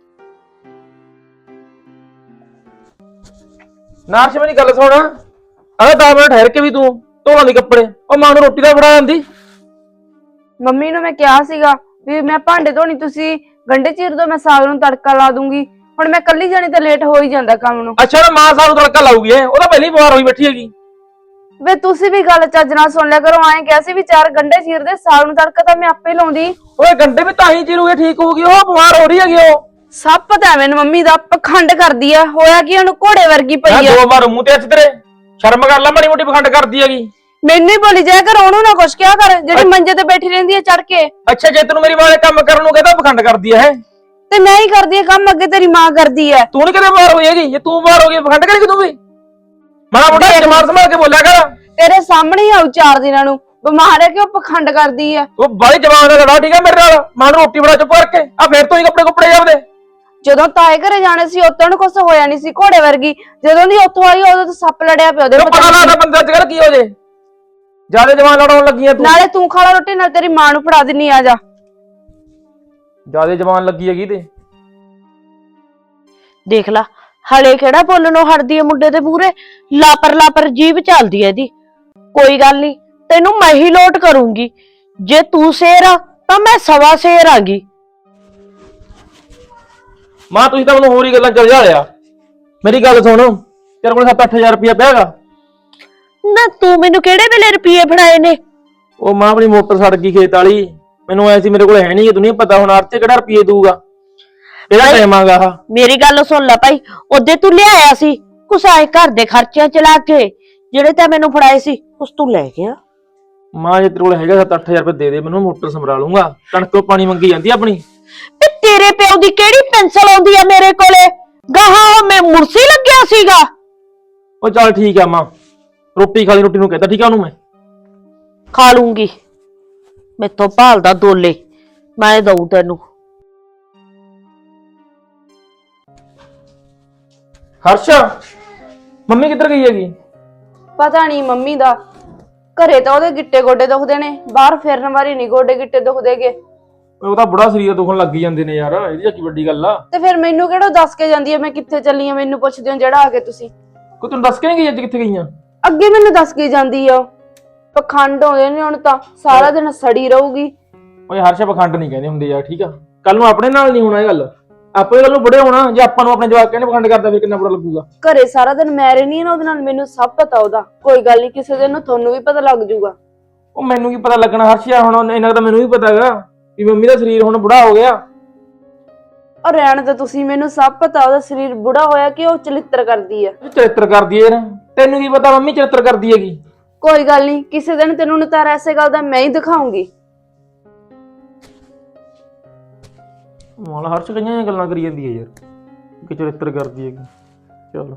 [SPEAKER 3] ਨਾਰਸ਼ ਮੇਰੀ ਗੱਲ ਸੁਣ, ਅਰੇ 10 ਮਿੰਟ ਠਹਿਰ ਕੇ ਵੀ ਤੂੰ ਧੋ ਲਾਂਦੀ ਕੱਪੜੇ। ਉਹ ਮਾਂ ਨੂੰ ਰੋਟੀ ਦਾ ਫੜਾ ਜਾਂਦੀ।
[SPEAKER 2] ਮੰਮੀ ਨੂੰ ਮੈਂ ਕਿਹਾ ਸੀਗਾ ਵੀ ਮੈਂ ਭਾਂਡੇ ਧੋਣੀ, ਤੁਸੀਂ ਗੰਢੇ ਚੀਰ ਦੋ, ਮੈਂ ਸਾਗ ਨੂੰ ਤੜਕਾ ਲਾ ਦੂੰਗੀ। ਹੁਣ ਮੈਂ ਕੱਲੀ ਜਾਣੀ ਤਾਂ ਲੇਟ ਹੋ ਹੀ ਜਾਂਦਾ ਕੰਮ ਨੂੰ।
[SPEAKER 3] ਅੱਛਾ ਨਾ ਮਾਂ ਸਾਨੂੰ ਤੜਕਾ ਲਾਊਗੀ, ਉਹ ਤਾਂ ਪਹਿਲੀ ਵਾਰ ਹੋਈ ਬੈਠੀ ਹੈਗੀ।
[SPEAKER 2] ਵੇ ਤੁਸੀਂ ਵੀ ਗੱਲ ਚੱਜ ਨਾਲ ਸੁਣ ਲਿਆ ਕਰੋ। ਐਂ ਕਿਹਾ ਸੀ ਵੀ 4 ਗੰਢੇ ਚੀਰਦੇ, ਸਾਗ ਨੂੰ ਤੜਕਾ ਤਾਂ ਮੈਂ ਆਪੇ ਲਾਉਂਦੀ।
[SPEAKER 3] ਓਏ ਗੰਡੇ ਵੀ ਤਾਂ ਹੀ ਚੀਰੂਗੇ, ਠੀਕ ਹੋਊਗੀ। ਉਹ ਬਿਮਾਰ ਹੋ ਰਹੀ ਹੈਗੀ ਉਹ।
[SPEAKER 2] ਸਭ ਪਤਾ ਹੈ ਮੈਨੂੰ ਮੰਮੀ ਦਾ, ਪਖੰਡ ਕਰਦੀ ਆ। ਹੋਇਆ ਕੀ ਉਹਨੂੰ ਘੋੜੇ ਵਰਗੀ ਪਈ ਆ।
[SPEAKER 3] ਦੋ ਮਾਰੂ ਮੂੰਹ ਤੇ ਅੱਜ ਤੇਰੇ, ਸ਼ਰਮ ਕਰ ਲੈ, ਮਾੜੀ ਮੋਟੀ ਪਖੰਡ ਕਰਦੀ ਹੈਗੀ।
[SPEAKER 2] ਮੈਨੂੰ ਹੀ ਬੋਲੀ ਜਾਇਆ ਕਰ, ਉਹਨੂੰ ਨਾ ਕੁਛ ਕਿਹਾ ਕਰ ਜਿਹੜੀ ਮੰਜੇ ਤੇ ਬੈਠੀ ਰਹਿੰਦੀ ਹੈ ਚੜ ਕੇ।
[SPEAKER 3] ਅੱਛਾ ਜੇ ਤੈਨੂੰ ਮੇਰੀ ਮਾਂ ਨੇ ਕੰਮ ਕਰਨ ਨੂੰ ਕਹਿੰਦਾ ਪਖੰਡ ਕਰਦੀ ਹੈ।
[SPEAKER 2] ਤੇ ਮੈਂ ਹੀ ਕਰਦੀ ਆ ਕੰਮ, ਅੱਗੇ ਤੇਰੀ ਮਾਂ ਕਰਦੀ ਆ।
[SPEAKER 3] ਤੂੰ ਨੀ ਕਦੇ ਬਿਮਾਰ ਹੋਈ ਹੈਗੀ? ਜੇ ਤੂੰ ਬਿਮਾਰ ਹੋ ਗਈ ਪਖੰਡ ਕਰੇਗੀ ਤੂੰ ਵੀ? ਮਾੜਾ ਮੋਟਾ ਜਮਾਨ ਸੰਭਾਲ ਕੇ ਬੋਲਿਆ ਕਰ।
[SPEAKER 2] ਤੇਰੇ ਸਾਹਮਣੇ ਹੀ ਆਉ 4 ਦਿਨਾਂ ਨੂੰ ਬਿਮਾਰ ਹੈ ਕਿ ਉਹ ਪਖੰਡ ਕਰਦੀ ਆ।
[SPEAKER 3] ਉਹ ਬਾਈ ਜਵਾਨ ਦਾ ਲੜਾ, ਠੀਕ ਹੈ ਮੇਰੇ ਨਾਲ। ਮਾਂ ਨੂੰ ਰੋਟੀ ਬਣਾ ਚੁੱਪ ਕਰਕੇ ਆ, ਫੇਰ ਤੋਂ ਹੀ ਕੱਪੜੇ ਜਾਂਦੇ।
[SPEAKER 2] ਜਦੋਂ ਤਾਏ ਘਰੇ ਜਾਣੇ ਸੀ ਉਦੋਂ ਨੂੰ ਕੁਛ ਹੋਇਆ ਨਹੀਂ ਸੀ, ਘੋੜੇ ਵਰਗੀ। ਜਦੋਂ ਦੀ ਉੱਥੋਂ ਆਈ ਉਦੋਂ ਤਾਂ ਸੱਪ ਲੜਿਆ ਪਿਆ ਉਹਦੇ।
[SPEAKER 3] ਪਤਾ ਲੱਗਦਾ ਬੰਦੇ ਅੱਜ ਕੱਲ ਕੀ ਹੋ ਜੇ, ਜਿਆਦਾ ਜਵਾਨ ਲੜਾਉਣ ਲੱਗੀਆਂ ਤੂੰ।
[SPEAKER 2] ਨਾਲੇ ਤੂੰ ਖਾ ਲਾ ਰੋਟੀ, ਨਾਲ ਤੇਰੀ ਮਾਂ ਨੂੰ ਫੜਾ ਦਿੰਨੀ। ਆ ਜਾ।
[SPEAKER 3] ਜਿਆਦਾ ਜਵਾਨ ਲੱਗੀ ਹੈਗੀ ਤੇ
[SPEAKER 1] ਦੇਖ ਲਾ, ਹਲੇ ਕਿਹੜਾ ਬੋਲਣੋਂ ਹਟਦੀ ਹੈ ਮੁੰਡੇ ਦੇ ਮੂਹਰੇ। ਲਾਪਰ ਲਾਪਰ ਜੀਭ ਚੱਲਦੀ ਹੈ ਇਹਦੀ। ਕੋਈ ਗੱਲ ਨਹੀਂ, ਤੈਨੂੰ ਮੈਂ ਹੀ ਲੋਟ ਕਰੂੰਗੀ। ਜੇ ਤੂੰ ਸ਼ੇਰ ਆ ਤਾਂ ਮੈਂ ਸਵਾ ਸ਼ੇਰ ਆਂਗੀ।
[SPEAKER 3] ਮਾਂ ਤੁਸੀਂ ਤਾਂ ਮੈਨੂੰ ਹੋਰ ਹੀ ਗੱਲਾਂ ਚੱਲ ਲਿਆ। ਮੇਰੀ ਗੱਲ ਸੁਣ, ਤੇਰੇ ਕੋਲ 7-8000 ਰੁਪਇਆ ਪਿਆ ਹੈਗਾ?
[SPEAKER 1] ਨਾ ਤੂੰ ਮੈਨੂੰ ਕਿਹੜੇ ਵੇਲੇ ਰੁਪਏ ਫੜਾਏ ਨੇ?
[SPEAKER 3] ਉਹ ਮਾਂ ਆਪਣੀ ਮੋਟਰ ਸੜ ਗਈ ਖੇਤ ਵਾਲੀ, ਮੈਨੂੰ ਐ ਸੀ ਮੇਰੇ ਕੋਲ ਹੈ ਨਹੀਂ, ਤੂੰ ਨਹੀਂ ਪਤਾ ਹੁਣ ਆਰਤੇ ਕਿਹੜਾ ਰੁਪਏ ਦਊਗਾ। ਇਹਦਾ ਟਾਈਮ ਆਗਾ।
[SPEAKER 1] ਮੇਰੀ ਗੱਲ ਸੁਣ ਲੈ ਭਾਈ, ਉਹਦੇ ਤੂੰ ਲਿਆਇਆ ਸੀ ਕੁਛ ਆਏ ਘਰ ਦੇ ਖਰਚਿਆਂ ਚ ਲਾ ਕੇ, ਜਿਹੜੇ ਤਾਂ ਮੈਨੂੰ ਫੜਾਏ ਸੀ ਉਸ ਤੂੰ ਲੈ ਗਿਆ।
[SPEAKER 3] ਮਾਂ ਜੇ ਤੇਰੇ ਕੋਲ ਹੈਗਾ 7-8000 ਰੁਪਏ ਦੇ ਦੇ ਮੈਨੂੰ, ਮੋਟਰ ਸੰਭਾਲ ਲੂੰਗਾ। ਕਣਕ ਤੋਂ ਪਾਣੀ ਮੰਗੀ ਜਾਂਦੀ ਆਪਣੀ।
[SPEAKER 1] ਤੇ ਤੇਰੇ ਪਿਓ ਦੀ ਕਿਹੜੀ ਪੈਨਸਲ ਆਉਂਦੀ ਆ ਮੇਰੇ ਕੋਲੇ? ਗਾਹਾਂ ਮੈਂ ਮੁਰਸੀ ਲੱਗਿਆ ਸੀਗਾ।
[SPEAKER 3] ਉਹ ਚੱਲ ਠੀਕ ਆ ਮਾਂ, ਰੋਟੀ ਖਾ ਲਈ। ਰੋਟੀ ਨੂੰ ਕਹਿੰਦਾ ਠੀਕ ਆ ਉਹਨੂੰ ਮੈਂ।
[SPEAKER 1] ਖਾ ਲੂੰਗੀ, ਮੈਥੋਂ ਭਾਲਦਾ ਦੋਲੇ, ਮੈਂ ਦਊ ਤੈਨੂੰ।
[SPEAKER 3] ਹਰਸ਼, ਮੰਮੀ ਕਿੱਧਰ ਗਈ ਹੈਗੀ?
[SPEAKER 2] ਪਤਾ ਨਹੀਂ ਮੰਮੀ ਦਾ। ਘਰੇ ਤਾਂ ਉਹਦੇ ਗਿੱਟੇ ਗੋਡੇ ਦੁਖਦੇ ਨੇ, ਬਾਹਰ ਫਿਰਨ ਵਾਰੀ ਨਹੀਂ ਗੋਡੇ ਗਿੱਟੇ ਦੁਖਦੇਗੇ।
[SPEAKER 3] ਉਹ ਤਾਂ ਬੁੜਾ ਸਰੀਰ ਦੁਖਣ ਲੱਗ ਜਾਂਦੇ ਨੇ ਯਾਰ, ਇਹਦੀ ਕੀ ਵੱਡੀ ਗੱਲ ਆ।
[SPEAKER 2] ਤੇ ਫਿਰ ਮੈਨੂੰ ਕਿਹੜਾ ਦੱਸ ਕੇ ਜਾਂਦੀ ਹੈ ਮੈਂ ਕਿੱਥੇ ਚੱਲੀ ਆ? ਮੈਨੂੰ ਪੁੱਛਦੇ ਹੋ ਜਿਹੜਾ ਆ ਕੇ ਤੁਸੀਂ।
[SPEAKER 3] ਕੋਈ ਤੈਨੂੰ ਦੱਸ ਕੇ ਨਹੀਂ ਗਈ ਅੱਜ ਕਿੱਥੇ ਗਈਆਂ?
[SPEAKER 2] ਅੱਗੇ ਮੈਨੂੰ ਦੱਸ ਕੇ ਜਾਂਦੀ ਆ। ਪਖੰਡ ਹੋਏ ਨੇ ਹੁਣ ਤਾਂ, ਸਾਰਾ ਦਿਨ ਸੜੀ ਰਹੂਗੀ।
[SPEAKER 3] ਓਏ ਹਰਸ਼, ਪਖੰਡ ਨਹੀਂ ਕਹਿੰਦੇ ਹੁੰਦੇ ਯਾਰ, ਠੀਕ ਆ? ਕੱਲ ਨੂੰ ਆਪਣੇ ਨਾਲ ਨਹੀਂ ਹੋਣਾ ਇਹ ਗੱਲ। ਆਪੇ ਕੱਲ ਨੂੰ ਬੁੜੇ ਹੋਣਾ, ਜੇ ਆਪਾਂ ਨੂੰ ਆਪਣੇ ਜਵਾਕ ਕਹਿੰਦੇ ਪਖੰਡ ਕਰਦਾ ਫਿਰ ਕਿੰਨਾ ਬੁਰਾ ਲੱਗੂਗਾ।
[SPEAKER 2] ਘਰੇ ਸਾਰਾ ਦਿਨ ਮੈਂ ਰਹਿਣੀ ਨਾ ਉਹਦੇ ਨਾਲ, ਮੈਨੂੰ ਸਭ ਪਤਾ ਉਹਦਾ। ਕੋਈ ਗੱਲ ਨਹੀਂ, ਕਿਸੇ ਦਿਨ ਨੂੰ ਤੁਹਾਨੂੰ ਵੀ ਪਤਾ ਲੱਗ ਜਾਊਗਾ।
[SPEAKER 3] ਉਹ ਮੈਨੂੰ ਕੀ ਪਤਾ ਲੱਗਣਾ ਹਰਸ਼ ਯਾਰ, ਹੁਣ ਇਹਨਾਂ ਦਾ ਮੈਨੂੰ ਵੀ ਪਤਾ ਹੈਗਾ ਵੀ ਮੰਮੀ ਦਾ ਸਰੀਰ ਹੁਣ ਬੁੜਾ ਹੋ ਗਿਆ।
[SPEAKER 2] ਔਰ ਰਹਿਣ ਤੇ ਤੁਸੀਂ, ਮੈਨੂੰ ਸਭ ਪਤਾ ਉਹਦਾ ਸਰੀਰ ਬੁੜਾ ਹੋਇਆ ਕਿ ਉਹ ਚਲਿੱਤਰ ਕਰਦੀ ਆ।
[SPEAKER 3] ਚਰਿੱਤਰ ਕਰਦੀ ਹੈ ਯਾਰ, ਤੈਨੂੰ ਕੀ ਪਤਾ ਮੰਮੀ ਚਰਿੱਤਰ ਕਰਦੀ ਹੈਗੀ?
[SPEAKER 2] ਕੋਈ ਗੱਲ ਨਹੀਂ, ਕਿਸੇ ਦਿਨ ਤੈਨੂੰ ਨਤਾਰਾ ਐਸੇ ਗੱਲ ਦਾ ਮੈਂ ਹੀ ਦਿਖਾਉਂਗੀ।
[SPEAKER 3] ਮਾਲ ਹਰਸ਼ ਕਈਆਂ ਗੱਲਾਂ ਕਰੀ ਜਾਂਦੀ ਹੈ ਯਾਰ ਕਿ ਚਰਿੱਤਰ ਕਰਦੀ ਹੈਗੀ। ਚਲ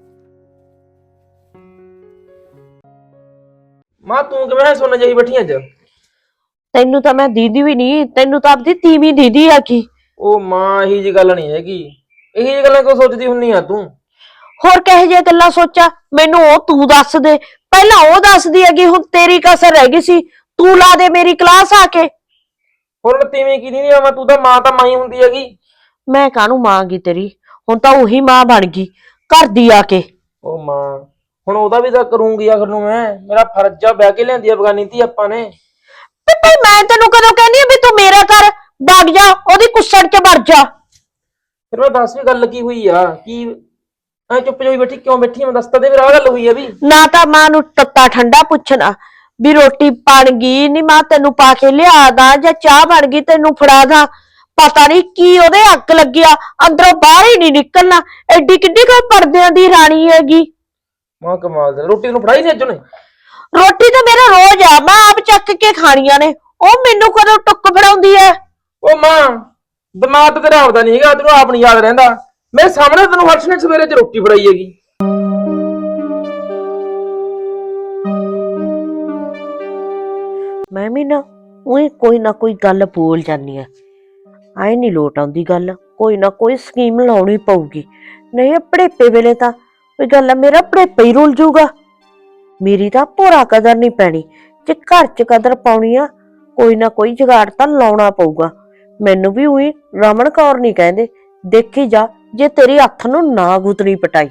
[SPEAKER 3] ਮਾਂ, ਤੂੰ ਕਿਵੇਂ ਸੁਣਨ ਜਾਈ ਬੈਠੀ ਅੱਜ?
[SPEAKER 1] ਤੈਨੂੰ ਤਾਂ ਮੈਂ ਦੀਦੀ ਵੀ ਨਹੀਂ, ਤੈਨੂੰ ਤਾਂ ਆਪਦੀ ਤੀਵੀਂ ਦੀਦੀ ਆ ਕੀ।
[SPEAKER 3] ਉਹ ਮਾਂ, ਇਹੀ ਜੀ ਗੱਲ ਨਹੀਂ ਹੈਗੀ। ਇਹੀ ਜੀ ਗੱਲਾਂ ਕਿਉਂ ਸੋਚਦੀ ਹੁੰਨੀ ਆ ਤੂੰ?
[SPEAKER 1] ਹੋਰ ਕਹੇ ਜੇ ਗੱਲਾਂ ਸੋਚਾਂ? ਮੈਨੂੰ ਉਹ ਤੂੰ ਦੱਸ ਦੇ। ਪਹਿਲਾਂ ਉਹ ਦੱਸਦੀ ਹੈਗੀ, ਹੁਣ ਤੇਰੀ ਕਸਰ ਰਹਿ ਗਈ ਸੀ। ਤੂੰ ਲਾ ਦੇ ਮੇਰੀ ਕਲਾਸ ਆ ਕੇ।
[SPEAKER 3] ਹੁਣ ਤੀਵੀਂ ਕੀ ਨਹੀਂ ਆਵਾਂ, ਤੂੰ ਤਾਂ ਮਾਂ ਤਾਂ ਮਾਂ ਹੀ ਹੁੰਦੀ ਹੈਗੀ।
[SPEAKER 1] ਮੈਂ ਕਾਹਨੂੰ ਮਾਂ ਗੀ ਤੇਰੀ? ਹੁਣ ਤਾਂ ਉਹੀ ਮਾਂ ਬਣ ਗਈ ਘਰ ਦੀ ਆ ਕੇ।
[SPEAKER 3] ਉਹ ਮਾਂ, ਹੁਣ ਉਹਦਾ ਵੀ ਤਾਂ ਕਰੂੰਗੀ ਆਖਰ ਨੂੰ ਮੈਂ। ਮੇਰਾ ਫਰਜ਼ ਆ, ਵਿਆਹ ਕੇ ਲਿਆਂਦੀ ਆ ਬਗਾਨੀ ਧੀ ਆਪਾਂ ਨੇ।
[SPEAKER 1] ਤੇ ਭਾਈ ਮੈਂ ਤੈਨੂੰ ਕਦੋਂ ਕਹਿੰਦੀ ਆ ਵੀ ਤੂੰ ਮੇਰਾ ਘਰ ਵਗ ਜਾ, ਉਹਦੀ ਕੁੱਸੜ ਚ ਵੜ ਜਾ।
[SPEAKER 3] ਫਿਰ ਮੈਂ ਦੱਸ ਵੀ ਗੱਲ ਕੀ ਹੋਈ ਆ? ਕੀ ਐ ਚੁੱਪ ਜਿਹੀ ਬੈਠੀ ਕਿਉਂ ਬੈਠੀ? ਮੈਂ ਦੱਸ ਤਾਂ ਦੇ ਮੇਰਾ ਆਹ ਗੱਲ ਹੋਈ ਆ ਵੀ।
[SPEAKER 1] ਨਾ ਤਾਂ ਮਾਂ ਨੂੰ ਤੱਤਾ ਠੰਡਾ ਪੁੱਛਣਾ ਵੀ ਰੋਟੀ ਬਣ ਗਈ ਨਹੀਂ, ਮਾਂ ਤੈਨੂੰ ਪਾ ਕੇ ਲਿਆ ਦਾਂ, ਜਾਂ ਚਾਹ ਬਣ ਗਈ ਤੈਨੂੰ ਫੜਾ ਦਾਂ। ਪਤਾ ਨਹੀਂ ਕੀ ਉਹਦੇ ਅੱਗ ਲੱਗਿਆ, ਅੰਦਰੋਂ ਬਾਹਰ ਹੀ ਨਹੀਂ ਨਿਕਲਣਾ। ਐਡੀ ਕਿੱਡੀ ਕੋਈ ਪਰਦਿਆਂ ਦੀ ਰਾਣੀ ਹੈਗੀ।
[SPEAKER 3] ਮਾਂ ਕਮਾਲ ਦਾ, ਰੋਟੀ ਨੂੰ ਫੜਾਈ ਨਹੀਂ ਅੱਜ ਉਹਨੇ?
[SPEAKER 1] ਰੋਟੀ ਤਾਂ ਮੇਰਾ ਰੋਜ਼ ਆ, ਮੈਂ ਆਪ ਚੱਕ ਕੇ ਖਾਣੀਆਂ ਨੇ। ਉਹ ਮੈਨੂੰ ਕਦੋਂ ਟੁੱਕ ਫੜਾਉਂਦੀ ਐ?
[SPEAKER 3] ਉਹ ਮਾਂ, ਦਿਮਾਗ ਤਾਂ ਤੇਰਾ ਆਪਦਾ ਨਹੀਂ ਹੈਗਾ, ਤੈਨੂੰ ਆਪ ਨਹੀਂ ਯਾਦ ਰਹਿੰਦਾ। ਮੇਰੇ ਸਾਹਮਣੇ ਤੈਨੂੰ ਹਰਸ਼ ਨੇ ਸਵੇਰੇ ਚ ਰੋਟੀ ਫੜਾਈ ਹੈਗੀ।
[SPEAKER 1] ਮੈਂ ਵੀ ਨਾ ਉਹੀ ਕੋਈ ਨਾ ਕੋਈ ਗੱਲ ਬੋਲ ਜਾਂਦੀ ਆ। ਆਏ ਨਹੀਂ ਲੋਟ ਆਉਂਦੀ ਗੱਲ, ਕੋਈ ਨਾ ਕੋਈ ਸਕੀਮ ਲਾਉਣੀ ਪਊਗੀ, ਨਹੀਂ ਪੜੇਪੇ ਵੇਲੇ ਤਾਂ ਕੋਈ ਗੱਲ ਆ ਮੇਰਾ ਪੜੇਪਾ ਹੀ ਰੁਲ ਜੂਗਾ। ਮੇਰੀ ਤਾਂ ਭੋਰਾ ਕਦਰ ਨਹੀਂ ਪੈਣੀ, ਜੇ ਘਰ 'ਚ ਕਦਰ ਪਾਉਣੀ ਆ ਕੋਈ ਨਾ ਕੋਈ ਜੁਗਾੜ ਤਾਂ ਲਾਉਣਾ ਪਊਗਾ। ਮੈਨੂੰ ਵੀ ਉਹੀ ਰਮਨ ਕੌਰ ਨਹੀਂ ਕਹਿੰਦੇ, ਦੇਖੀ ਜਾ ਜੇ ਤੇਰੀ ਹੱਥ ਨੂੰ ਨਾ ਗੁੱਤਣੀ ਪਟਾਈ।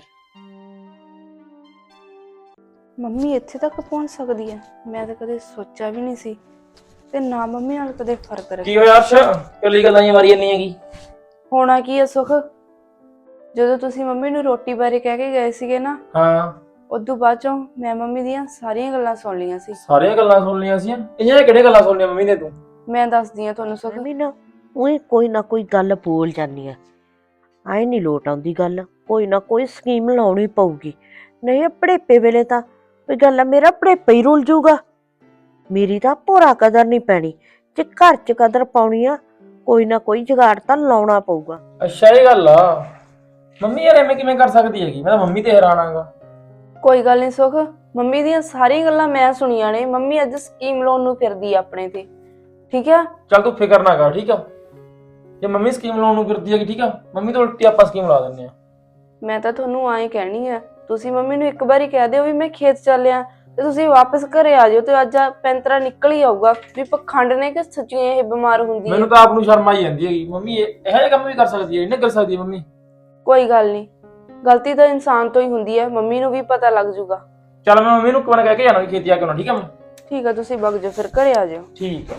[SPEAKER 2] ਮੰਮੀ ਇੱਥੇ ਤੱਕ ਪਹੁੰਚ ਸਕਦੀ ਹੈ, ਮੈਂ ਤਾਂ ਕਦੇ ਸੋਚਿਆ ਵੀ ਨਹੀਂ ਸੀ ਤੇ ਨਾ ਮੰਮੀ ਨਾਲ ਕਦੇ ਫਰਕ
[SPEAKER 3] ਕੀ
[SPEAKER 2] ਰੱਖਿਆ।
[SPEAKER 3] ਹੋਇਆ ਅਰਸ਼, ਕੱਲੀ ਗੱਲਾਂ ਹੀ ਮਾਰੀ ਨਹੀਂ ਹੈਗੀ?
[SPEAKER 2] ਹੋਣਾ ਕੀ ਹੈ ਸੁਖ, ਜਦੋਂ ਤੁਸੀਂ ਮੰਮੀ ਨੂੰ ਰੋਟੀ ਬਾਰੇ ਕਹਿ ਕੇ ਗਏ ਸੀਗੇ ਨਾ,
[SPEAKER 3] ਹਾਂ
[SPEAKER 2] ਉਦੋਂ ਬਾਅਦ ਚੋਂ ਮੈਂ ਮੰਮੀ ਦੀਆਂ ਸਾਰੀਆਂ ਗੱਲਾਂ ਸੁਣ ਲਈਆਂ ਸੀ।
[SPEAKER 3] ਸਾਰੀਆਂ ਗੱਲਾਂ ਸੁਣ ਲਈਆਂ ਸੀ? ਇਹਨਾਂ ਕਿਹੜੇ ਗੱਲਾਂ ਸੁਣ ਲਈਆਂ ਮੰਮੀ ਨੇ ਤੂੰ?
[SPEAKER 2] ਮੈਂ ਦੱਸਦੀ ਆ ਤੁਹਾਨੂੰ ਸੁਖ।
[SPEAKER 1] ਵੀ ਨਾ ਉਹੀ ਕੋਈ ਨਾ ਕੋਈ ਗੱਲ ਬੋਲ ਜਾਂਦੀ ਆ, ਆਏ ਨਹੀਂ ਲੋਟ ਆਉਂਦੀ ਗੱਲ, ਕੋਈ ਨਾ ਕੋਈ ਸਕੀਮ ਲਾਉਣੀ ਪਊਗੀ, ਨਹੀਂ ਪੜੇਪੇ ਵੇਲੇ ਤਾਂ ਕੋਈ ਗੱਲ ਆ ਮੇਰਾ ਪੜੇਪਾ ਹੀ ਰੁਲ ਜੂਗਾ। ਮੇਰੀ ਤਾਂ ਭੋਰਾ ਕਦਰ ਨਹੀਂ ਪੈਣੀ, ਜੇ ਘਰ 'ਚ ਕਦਰ ਪਾਉਣੀ ਆ ਕੋਈ ਨਾ ਕੋਈ ਜੁਗਾੜ ਤਾਂ ਲਾਉਣਾ ਪਊਗਾ।
[SPEAKER 3] ਅੱਛਾ ਇਹ ਗੱਲ ਆ। ਮੰਮੀ ਯਾਰ ਐਵੇਂ ਕਿਵੇਂ ਕਰ ਸਕਦੀ ਹੈਗੀ? ਮੈਂ ਤਾਂ ਮੰਮੀ ਤੇ ਹੈਰਾਨ ਆਂਗਾ।
[SPEAKER 2] ਕੋਈ ਗੱਲ ਨਹੀਂ ਸੁਖ, ਮੰਮੀ ਦੀਆਂ ਸਾਰੀਆਂ ਗੱਲਾਂ ਮੈਂ ਸੁਣੀਆਂ ਨੇ। ਮੰਮੀ ਅੱਜ ਸਕੀਮ ਲਾਉਣ ਨੂੰ ਫਿਰਦੀ ਆ ਆਪਣੇ ਤੇ, ਠੀਕ ਆ?
[SPEAKER 3] ਚੱਲ ਤੂੰ ਫਿਕਰ ਨਾ ਕਰ, ਠੀਕ ਆ? ਜੇ ਮੰਮੀ ਸਕੀਮ ਲਾਉਣ ਨੂੰ ਫਿਰਦੀ ਹੈਗੀ, ਠੀਕ ਆ, ਮੰਮੀ ਤੋਂ ਉਲਟੀ ਆਪਾਂ ਸਕੀਮ ਲਾ ਦਿੰਨੇ ਆ।
[SPEAKER 2] ਮੈਂ ਤਾਂ ਤੁਹਾਨੂੰ ਆਏ ਕਹਿਣੀ ਆ, ਤੁਸੀਂ ਮੰਮੀ ਨੂੰ ਇੱਕ ਵਾਰੀ ਕਹਿ ਦਿਓ ਵੀ ਮੈਂ ਖੇਤ ਚੱਲਿਆ ਤੇ ਤੁਸੀਂ ਵਾਪਸ ਘਰੇ ਆ ਜਾਓ, ਤੇ ਅੱਜ ਪੈਂਤਰਾ ਨਿਕਲ ਹੀ ਆਊਗਾ ਵੀ ਪਖੰਡ ਨੇ ਕਿ ਸੱਚੀਆਂ ਇਹ ਬਿਮਾਰ ਹੁੰਦੀ ਹੈ।
[SPEAKER 3] ਮੈਨੂੰ ਤਾਂ ਆਪ ਨੂੰ ਸ਼ਰਮ ਆਈ ਜਾਂਦੀ ਹੈਗੀ, ਮੰਮੀ ਇਹੋ ਜਿਹੇ ਕੰਮ ਵੀ ਕਰ ਸਕਦੀ ਹੈ? ਇਹਨੇ ਕਰ ਸਕਦੀ ਹੈ ਮੰਮੀ?
[SPEAKER 2] ਕੋਈ ਗੱਲ ਨਹੀਂ, ਗਲਤੀ ਤਾਂ ਇਨਸਾਨ ਤੋਂ ਹੀ ਹੁੰਦੀ ਹੈ, ਮੰਮੀ ਨੂੰ ਵੀ ਪਤਾ ਲੱਗ ਜੂਗਾ।
[SPEAKER 3] ਚੱਲ ਮੈਂ ਮੰਮੀ ਨੂੰ ਇੱਕ ਵਾਰ ਕਹਿ ਕੇ ਜਾਣਾ ਵੀ ਖੇਤੀ ਆ ਕੇ ਆਉਣਾ, ਠੀਕ ਆ? ਮੈਂ
[SPEAKER 2] ਠੀਕ ਆ, ਤੁਸੀਂ ਵਗ ਜਾਓ ਫਿਰ ਘਰੇ ਆ ਜਾਓ।
[SPEAKER 3] ਠੀਕ ਆ।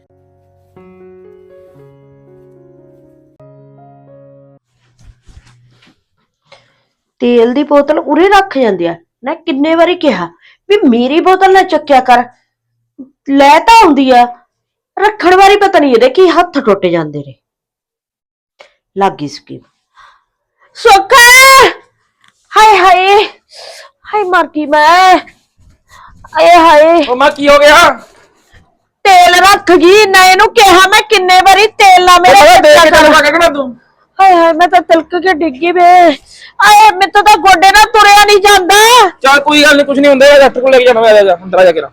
[SPEAKER 1] ਤੇਲ ਦੀ ਬੋਤਲ ਉਰੇ ਰੱਖ ਜਾਂਦੀ ਆ ਨਾ, ਕਿੰਨੇ ਵਾਰੀ ਕਿਹਾ ਵੀ ਮੇਰੀ ਬੋਤਲ ਨਾ ਚੱਕਿਆ ਕਰ, ਲੈ ਤਾਂ ਆਉਂਦੀ ਆ, ਰੱਖਣ ਵਾਰੀ ਪਤਾ ਨਹੀਂ ਇਹਦੇ ਕੀ ਹੱਥ ਟੁੱਟ ਜਾਂਦੇ ਨੇ। ਲੱਗੀ ਸਕੀਮ। ਸੁੱਖ, ਹਾਏ ਹਾਏ ਹਾਏ ਮਰ ਗਈ ਮੈਂ, ਆਏ ਹਾਏ
[SPEAKER 3] ਉਹ ਮਾਂ ਕੀ ਹੋ ਗਿਆ?
[SPEAKER 1] ਤੇਲ ਰੱਖ ਗਈ ਨਾ, ਇਹਨੂੰ ਕਿਹਾ ਮੈਂ ਕਿੰਨੇ ਵਾਰੀ ਤੇਲ ਨਾ ਮੇਰੇ
[SPEAKER 3] ਦੇਖ ਕੇ ਚੱਲ ਕਹਿਣਾ ਤੂੰ।
[SPEAKER 1] ਹਾਏ ਹਾਏ ਮੈਂ ਤਾਂ ਤਿਲਕ ਕੇ ਡਿੱਗੀ ਵੇ, ਆਏ ਮੇਰੇ ਤਾਂ ਗੋਡੇ ਨਾਲ ਤੁਰਿਆ ਨਹੀਂ ਜਾਂਦਾ।
[SPEAKER 3] ਚੱਲ ਕੋਈ ਗੱਲ ਨਹੀਂ, ਕੁਝ ਨਹੀਂ ਹੁੰਦਾ, ਡਾਕਟਰ ਕੋਲ ਲੈ ਕੇ ਜਾਣਾ। ਮੈਂ ਜਾ ਅੰਦਰ ਆ ਜਾ ਕੇ।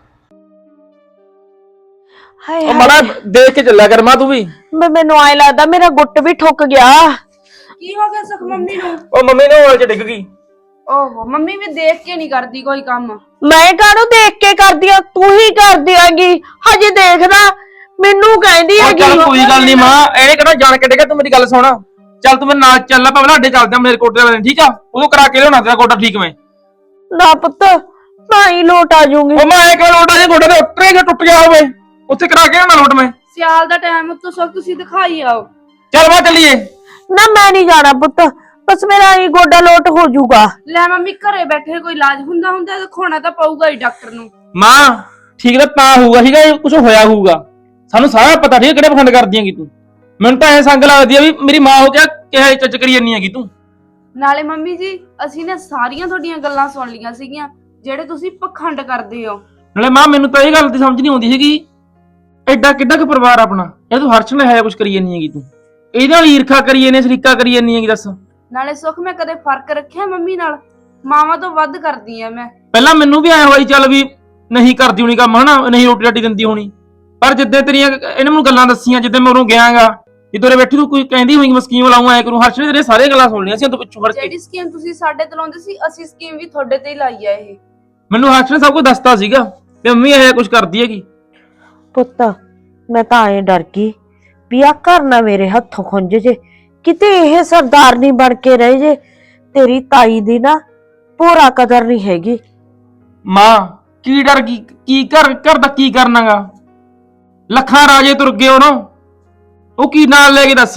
[SPEAKER 1] ਹਾਏ
[SPEAKER 3] ਉਹ ਮਾੜਾ ਦੇਖ ਕੇ ਚੱਲਿਆ ਕਰ ਮਾਂ ਤੂੰ ਵੀ।
[SPEAKER 1] ਮੈਨੂੰ ਆਏ ਲੱਗਦਾ ਮੇਰਾ ਗੁੱਟ ਵੀ ਠੁੱਕ ਗਿਆ।
[SPEAKER 2] ਕੀ ਹੋ ਗਿਆ ਸੁਖ ਮੰਮੀ ਨੂੰ?
[SPEAKER 3] ਉਹ ਮੰਮੀ ਨੇ ਹੋਲ ਚ ਡਿੱਗ ਗਈ।
[SPEAKER 2] ਓਹੋ, ਮੰਮੀ ਵੀ ਦੇਖ ਕੇ ਨਹੀਂ ਕਰਦੀ ਕੋਈ ਕੰਮ।
[SPEAKER 1] ਮੈਂ ਕਾਹਨੂੰ ਦੇਖ ਕੇ ਕਰਦੀ ਆ, ਤੂੰ ਹੀ ਕਰਦੀ ਆਂਗੀ, ਹਜੇ ਦੇਖਦਾ ਮੈਨੂੰ ਕਹਿੰਦੀ
[SPEAKER 3] ਉਹ
[SPEAKER 1] ਹੈਗੀ।
[SPEAKER 3] ਚੱਲ ਕੋਈ ਗੱਲ ਨਹੀਂ ਮਾਂ, ਇਹਨੇ ਕਿਹੜਾ ਜਾਣ ਕੇ ਡਿੱਗਾ? ਤੂੰ ਮੇਰੀ ਗੱਲ ਸੁਣ, ਚੱਲ ਤੂੰ ਮੇਰੇ ਨਾਲ ਚੱਲ, ਆਪਾਂ ਬਲਾਡੇ ਚੱਲਦੇ ਆ ਮੇਰੇ ਕੋਟੇ ਵਾਲੇ, ਠੀਕ ਆ? ਉਦੋਂ ਕਰਾ ਕੇ ਲਿਆਉਣਾ ਤੇਰਾ ਗੋਡਾ ਠੀਕ। ਮੈਂ
[SPEAKER 1] ਨਾ ਪੁੱਤ ਮੈਂ ਹੀ ਲੋਟ ਆ ਜਾਊਂਗੀ।
[SPEAKER 3] ਉਹ ਮੈਂ ਕਿਹਾ ਲੋਟਾ ਜੇ ਗੋਡਾ ਤੇ ਉੱਤਰੇ ਜੇ ਟੁੱਟ ਗਿਆ ਹੋਵੇ, ਉੱਥੇ ਕਰਾ ਕੇ ਲਿਆਉਣਾ ਲੋਟ ਮੈਂ।
[SPEAKER 2] ਸਿਆਲ ਦਾ ਟਾਈਮ ਉੱਤੋਂ ਸੁਖ ਤੁਸੀਂ ਦਿਖਾਈ ਆਓ।
[SPEAKER 3] ਚੱਲ ਮਾਂ ਚੱਲੀਏ।
[SPEAKER 1] ਨਾ ਮੈਂ ਨਹੀਂ ਜਾਣਾ ਪੁੱਤ, ਬਸ ਮੇਰਾ ਹੀ ਗੋਡਾ ਲੋਟ ਹੋ ਜਾਊਗਾ।
[SPEAKER 2] ਲੈ ਮੰਮੀ, ਘਰੇ ਬੈਠੇ ਕੋਈ ਇਲਾਜ ਹੁੰਦਾ ਦਿਖਾਉਣਾ ਤਾਂ ਪਊਗਾ ਹੀ ਡਾਕਟਰ ਨੂੰ।
[SPEAKER 3] ਮਾਂ ਠੀਕ ਤਾਂ ਹੋਊਗਾ, ਠੀਕ ਹੈ? ਕੁਝ ਹੋਇਆ ਹੋਊਗਾ, ਸਾਨੂੰ ਸਾਰਾ ਪਤਾ, ਠੀਕ ਹੈ? ਕਿਹੜੇ ਪਖੰਡ ਕਰਦੀ ਹੈਗੀ ਤੂੰ? ਮੈਨੂੰ ਤਾਂ ਐ ਸੰਗ ਲੱਗਦੀ ਆ ਵੀ ਮੇਰੀ ਮਾਂ ਹੋ ਕੇ ਕਿਹੇ ਚੱਚ ਕਰੀ ਜਾਂਦੀ ਹੈਗੀ ਤੂੰ।
[SPEAKER 2] ਨਾਲੇ ਮੰਮੀ ਜੀ, ਅਸੀਂ ਨੇ ਸਾਰੀਆਂ ਤੁਹਾਡੀਆਂ ਗੱਲਾਂ ਸੁਣ ਲਈਆਂ ਸੀਗੀਆਂ ਜਿਹੜੇ ਤੁਸੀਂ ਪਖੰਡ ਕਰਦੇ ਹੋ।
[SPEAKER 3] ਨਾਲੇ ਮਾਂ ਮੈਨੂੰ ਤਾਂ ਇਹ ਗੱਲ ਦੀ ਸਮਝ ਨਹੀਂ ਆਉਂਦੀ ਹੈਗੀ, ਐਡਾ ਕਿੱਡਾ ਕੁ ਪਰਿਵਾਰ ਆਪਣਾ, ਇਹ ਤੂੰ ਹਰਸ਼ ਨਾਲ ਹੈ ਕੁਝ ਕਰੀ ਜਾਂਦੀ ਹੈਗੀ ਤੂੰ, ਇਹਦੇ ਨਾਲ ਈਰਖਾ ਕਰੀ ਜਾਂਦੀ, ਸ਼ਰੀਕਾ ਕਰੀ ਜਾਂਦੀ ਹੈਗੀ। ਦੱਸ,
[SPEAKER 2] ਨਾਲੇ ਸੁਖ ਮੈਂ ਕਦੇ ਫਰਕ ਰੱਖਿਆ ਮੰਮੀ ਨਾਲ? ਮਾਵਾਂ ਤੋਂ ਵੱਧ ਕਰਦੀ ਆ ਮੈਂ।
[SPEAKER 3] ਪਹਿਲਾਂ ਮੈਨੂੰ ਵੀ ਐ ਹੋਈ ਚੱਲ ਵੀ ਨਹੀਂ ਕਰਦੀ ਹੋਣੀ ਕੰਮ, ਹਨਾ, ਨਹੀਂ ਰੋਟੀ ਰਾਟੀ ਦਿੰਦੀ ਹੋਣੀ, ਪਰ ਜਿੱਦਾਂ ਤੇਰੀਆਂ ਇਹਨੇ ਮੈਨੂੰ ਗੱਲਾਂ ਦੱਸੀਆਂ, ਜਿੱਦਾਂ ਮੈਂ ਉਰੋਂ ਗਿਆਗਾ, ਜਿੱਦੋਂ ਬੈਠੀ ਤੂੰ ਕੋਈ ਕਹਿੰਦੀ ਹੋਈ ਮੈਂ ਸਕੀਮ ਲਾਉਂ ਐ ਕਰੂੰ, ਹਰਸ਼ ਨੇ ਤੇਰੇ ਸਾਰੇ ਗੱਲਾਂ ਸੁਣ ਲਈਆਂ ਸੀ ਤੂੰ ਪਿੱਛੋਂ ਫੜ ਕੇ।
[SPEAKER 2] ਜਿਹੜੀ ਸਕੀਮ ਤੁਸੀਂ ਸਾਡੇ ਤੇ ਲਾਉਂਦੇ ਸੀ, ਅਸੀਂ ਸਕੀਮ ਵੀ ਤੁਹਾਡੇ ਤੇ ਹੀ ਲਾਈ ਆ। ਇਹ
[SPEAKER 3] ਮੈਨੂੰ ਹਰਸ਼ ਨੇ ਸਭ ਕੁਝ ਦੱਸਤਾ ਸੀਗਾ ਤੇ ਮੰਮੀ ਇਹ ਕੁਝ ਕਰਦੀ ਹੈਗੀ।
[SPEAKER 1] ਪੁੱਤ ਮੈਂ ਤਾਂ ਐਂ ਡਰ ਗਈ ਵੀ ਆ ਘਰ ਨਾ ਮੇਰੇ ਹੱਥੋਂ ਖੁੰਝ ਜੇ, ਕਿਤੇ ਇਹ ਸਰਦਾਰ ਨਹੀਂ ਬਣ ਕੇ ਰਹੇ ਜੇ। ਤੇਰੀ ਤਾਈ ਦੀ ਨਾ ਪੂਰਾ ਕਦਰ ਨਹੀਂ ਹੈਗੀ।
[SPEAKER 3] ਮਾਂ ਕੀ ਡਰ ਗਈ? ਕੀ ਘਰ ਦਾ ਕੀ ਕਰਨਾਗਾ? ਲੱਖਾਂ ਰਾਜੇ ਤੁਰ ਗਏ ਉਹਨੋਂ, ਉਹ ਕੀ ਨਾਲ ਲੈ ਕੇ ਦੱਸ?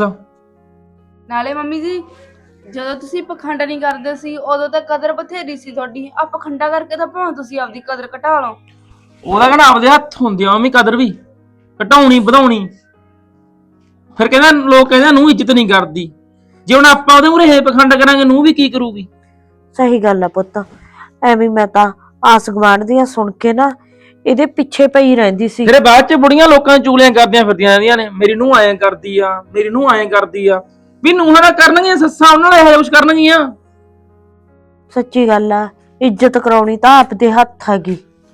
[SPEAKER 2] ਨਾਲੇ ਮੰਮੀ ਜੀ, ਜਦੋਂ ਤੁਸੀਂ ਪਖੰਡ ਨਹੀਂ ਕਰਦੇ ਸੀ ਉਦੋਂ ਤਾਂ ਕਦਰ ਬਥੇਰੀ ਸੀ ਤੁਹਾਡੀ। ਆ ਪਖੰਡਾ ਕਰਕੇ ਤਾਂ ਭਾਵੇਂ ਤੁਸੀਂ ਆਪਦੀ ਕਦਰ ਘਟਾ ਲਓ।
[SPEAKER 3] ਉਹਦਾ ਕਹਿੰਦਾ ਆਪਦੇ ਹੱਥ ਹੁੰਦੀ ਆ ਮੰਮੀ ਕਦਰ ਵੀ ਘਟਾਉਣੀ ਵਧਾਉਣੀ। ਫਿਰ ਕਹਿੰਦਾ ਲੋਕ ਕਹਿੰਦਾ ਨੂੰ ਇੱਜ਼ਤ ਨਹੀਂ ਕਰਦੀ, ਜੇ ਹੁਣ ਆਪਾਂ ਉਹਦੇ ਮੂਹਰੇ ਪਖੰਡ ਕਰਾਂਗੇ ਨੂੰ ਵੀ ਕੀ ਕਰੂਗੀ?
[SPEAKER 1] ਸਹੀ ਗੱਲ ਆ ਪੁੱਤ, ਐਵੇਂ ਮੈਂ ਤਾਂ ਆਸ ਗੁਆਂਢ ਦੀਆਂ ਸੁਣ ਕੇ ਨਾ ਇਹਦੇ ਪਿੱਛੇ ਪਈ ਰਹਿੰਦੀ ਸੀ।
[SPEAKER 3] ਫਿਰ ਬਾਅਦ ਚ ਬੁੜੀਆਂ ਲੋਕਾਂ ਨੂੰ ਚੂਲੀਆਂ ਕਰਦੀਆਂ ਫਿਰਦੀਆਂ ਰਹਿੰਦੀਆਂ ਨੇ, ਮੇਰੀ ਨੂੰ ਐਂ ਕਰਦੀ ਆ, ਮੇਰੀ ਨੂੰ ਐਂ ਕਰਦੀ ਆ, ਵੀ ਨੂੰਹਾਂ ਨਾਲ ਕਰਨਗੀਆਂ, ਸੱਸਾਂ ਉਹਨਾਂ ਨਾਲ ਇਹੋ ਕੁਝ ਕਰਨਗੀਆਂ।
[SPEAKER 1] ਸੱਚੀ ਗੱਲ ਆ, ਇੱਜ਼ਤ ਕਰਾਉਣੀ ਤਾਂ ਆਪ ਦੇ ਹੱਥ ਹੈਗੀ।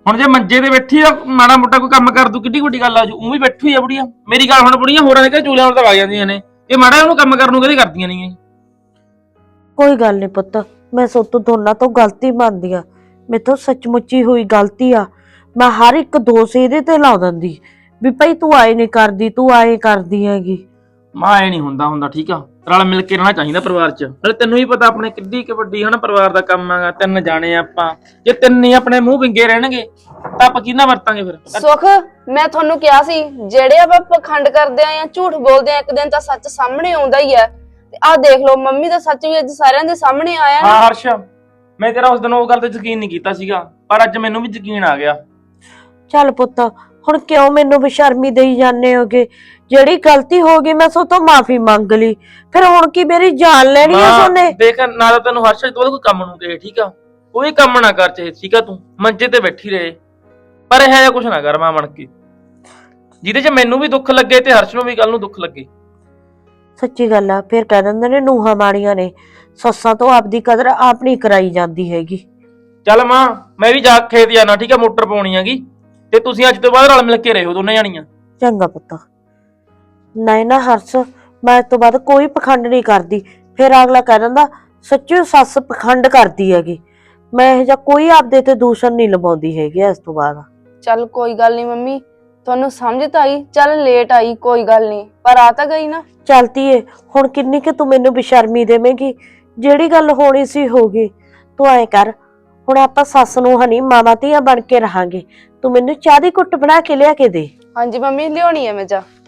[SPEAKER 3] ਹੁਣ ਜੇ ਮੰਜੇ ਤੇ ਬੈਠੀ ਆ ਮਾੜਾ ਮੋਟਾ ਕੋਈ ਕੰਮ ਕਰ ਦੂ ਕਿੱਡੀ ਵੱਡੀ ਗੱਲ ਆ ਜੂ ਉਹ ਵੀ ਬੈਠੀ ਆ ਬੁੜੀਆਂ ਮੇਰੀ ਗੱਲ ਹੁਣ ਬੁੜੀਆਂ ਹੋਰਾਂ ਦੇ ਘਰੇ ਚੂਲਿਆਂ ਨਾਲ ਤਾਂ ਵਗ ਜਾਂਦੀਆਂ ਨੇ ਇਹ ਮਾੜਾ ਉਹਨੂੰ ਕੰਮ ਕਰਨ ਨੂੰ ਕਦੇ ਕਰਦੀਆਂ ਨਹੀਂ
[SPEAKER 1] ਕੋਈ ਗੱਲ ਨਹੀਂ ਪੁੱਤ, ਮੈਂ ਸੋਤੋਂ ਦੋਨਾਂ ਤੋਂ ਗਲਤੀ ਮੰਨਦੀ ਆ। ਮੇਥੋਂ ਸੱਚਮੁੱਚੀ ਹੋਈ ਗਲਤੀ ਆ। ਮੈਂ ਹਰ ਇੱਕ ਦੋਸ਼ ਇਹਦੇ ਤੇ ਲਾ ਦਿੰਦੀ ਵੀ ਭਾਈ ਤੂੰ ਆਏ ਨਹੀਂ ਕਰਦੀ, ਤੂੰ ਆਏ ਕਰਦੀ ਹੈਗੀ।
[SPEAKER 3] ਮਾਂ ਐ ਨਹੀਂ ਹੁੰਦਾ ਠੀਕ ਆ ਰਲ ਮਿਲ ਕੇ ਰਹਿਣਾ ਚਾਹੀਦਾ ਪਰਿਵਾਰ 'ਚ। ਨਾਲੇ ਤੈਨੂੰ ਵੀ ਪਤਾ ਆਪਣੇ ਕਿੱਡੀ ਕਿ ਵੱਡੀ ਹਨਾ ਪਰਿਵਾਰ ਦਾ ਕੰਮ ਆਗਾ, 3 ਜਾਣੇ ਆਪਾਂ, ਜੇ 3 ਹੀ ਆਪਣੇ ਮੂੰਹ ਵਿੰਗੇ ਰਹਿਣਗੇ ਤਾਂ ਆਪਾਂ ਕਿਹਨਾਂ ਵਰਤਾਂਗੇ ਫਿਰ।
[SPEAKER 2] ਸੁਖ, ਮੈਂ ਤੁਹਾਨੂੰ ਕਿਹਾ ਸੀ ਜਿਹੜੇ ਆਪਾਂ ਪਖੰਡ ਕਰਦੇ ਆ ਜਾਂ ਝੂਠ ਬੋਲਦੇ ਆ ਇੱਕ ਦਿਨ ਤਾਂ ਸੱਚ ਸਾਹਮਣੇ ਆਉਂਦਾ ਹੀ ਆ। ਤੇ ਆਹ ਦੇਖ ਲਓ ਮੰਮੀ ਦਾ ਸੱਚ ਵੀ ਅੱਜ ਸਾਰਿਆਂ ਦੇ ਸਾਹਮਣੇ ਆਇਆ ਨਾ।
[SPEAKER 3] ਹਾਂ ਹਰਸ਼, ਮੈਂ ਤੇਰਾ ਉਸ ਦਿਨ ਉਹ ਗੱਲ ਤੇ ਯਕੀਨ ਨਹੀਂ ਕੀਤਾ ਸੀਗਾ ਪਰ ਅੱਜ ਮੈਨੂੰ ਵੀ ਯਕੀਨ ਆ ਗਿਆ।
[SPEAKER 1] ਚੱਲ ਪੁੱਤ, ਹੁਣ ਕਿਉਂ ਮੈਨੂੰ ਬੇਸ਼ਰਮੀ ਦੇਈ ਜਾਂਦੇ ਹੋਗੇ? ਜਿਹੜੀ ਗਲਤੀ ਹੋ ਗਈ ਮੈਂ ਸੋ ਤੋਂ ਮਾਫੀ ਮੰਗ ਲਈ, ਫਿਰ ਹੁਣ ਕੀ ਮੇਰੀ ਜਾਨ ਲੈਣੀ ਆ ਸੋਨੇ?
[SPEAKER 3] ਦੇਖ ਨਾ ਤਾਂ ਤੈਨੂੰ ਹਰਸ਼ ਤੋਂ ਕੋਈ ਕੰਮ ਨੂੰ ਕਹੇ ਠੀਕ ਆ, ਕੋਈ ਕੰਮ ਨਾ ਕਰ ਚਾਹੇ ਠੀਕ ਆ, ਤੂੰ ਮੰਜੇ ਤੇ ਬੈਠੀ ਰਹੇ ਪਰ ਇਹ ਜਿਹਾ ਕੁਛ ਨਾ ਕਰ ਮਾਂ ਬਣ ਕੇ ਜਿਹਦੇ 'ਚ ਮੈਨੂੰ ਵੀ ਦੁੱਖ ਲੱਗੇ ਤੇ ਹਰਸ਼ ਨੂੰ ਵੀ ਕੱਲ ਨੂੰ ਦੁੱਖ ਲੱਗੇ।
[SPEAKER 1] ਸੱਚੀ ਗੱਲ ਆ, ਫਿਰ ਕਹਿ ਦਿੰਦੇ ਨੇ ਨੂੰਹਾਂ ਮਾੜੀਆਂ ਨੇ, ਸੱਸਾਂ ਤੋਂ ਆਪਦੀ ਕਦਰ ਆਪ ਨਹੀਂ ਕਰਾਈ ਜਾਂਦੀ ਹੈਗੀ।
[SPEAKER 3] ਚੱਲ ਮਾਂ ਮੈਂ ਵੀ ਜਾ ਖੇਤ ਜਾਣਾ ਠੀਕ ਆ, ਮੋਟਰ ਪਾਉਣੀ ਹੈਗੀ ਤੇ ਤੁਸੀਂ ਅੱਜ ਤੋਂ ਬਾਅਦ ਰਲ ਮਿਲ ਕੇ ਰਹੋ ਦੋਨੇ ਜਾਣੀਆਂ।
[SPEAKER 1] ਚੰਗਾ ਪੁੱਤ। ਨਹੀਂ ਨਾ ਹਰਸ, ਮੈਂ ਇਸ ਤੋਂ ਬਾਅਦ ਕੋਈ ਪਖੰਡ ਨਹੀਂ ਕਰਦੀ। ਫਿਰ ਅਗਲਾ ਕਹਿ ਦਿੰਦਾ ਸੱਚੀ ਸੱਸ ਪਖੰਡ ਕਰਦੀ ਹੈਗੀ। ਮੈਂ ਇਹ ਜਿਹਾ ਕੋਈ ਆਪਦੇ ਤੇ ਦੂਸ਼ਣ ਨਹੀਂ ਲਵਾਉਂਦੀ ਹੈਗੀ ਇਸ ਤੋਂ ਬਾਅਦ।
[SPEAKER 2] ਚੱਲ ਕੋਈ ਗੱਲ ਨਹੀਂ ਮੰਮੀ, ਤੁਹਾਨੂੰ ਸਮਝ ਤਾਂ ਆਈ, ਚੱਲ ਲੇਟ ਆਈ ਕੋਈ ਗੱਲ ਨਹੀਂ ਪਰ ਆ ਤਾਂ ਗਈ ਨਾ।
[SPEAKER 1] ਚਲਤੀ ਏ, ਹੁਣ ਕਿੰਨੀ ਕਿ ਤੂੰ ਮੈਨੂੰ ਬੇਸ਼ਰਮੀ ਦੇਵੇਂਗੀ? ਜਿਹੜੀ ਗੱਲ ਹੋਣੀ ਸੀ ਹੋ ਗਈ। ਤੂੰ ਐ ਕਰ, ਹੁਣ ਆਪਾਂ ਸੱਸ ਨੂੰ ਹਨੀ ਮਾਵਾਂ ਧੀਆਂ ਬਣ ਕੇ ਰਹਾਂਗੇ। ਤੂੰ ਮੈਨੂੰ ਚਾਹ ਦੀ ਘੁੱਟ ਬਣਾ ਕੇ ਲਿਆ ਕੇ ਦੇ।
[SPEAKER 2] ਹਾਂਜੀ ਮੰਮੀ, ਲਿਆਉਣੀ ਹੈ ਮੈਂ ਜਾ।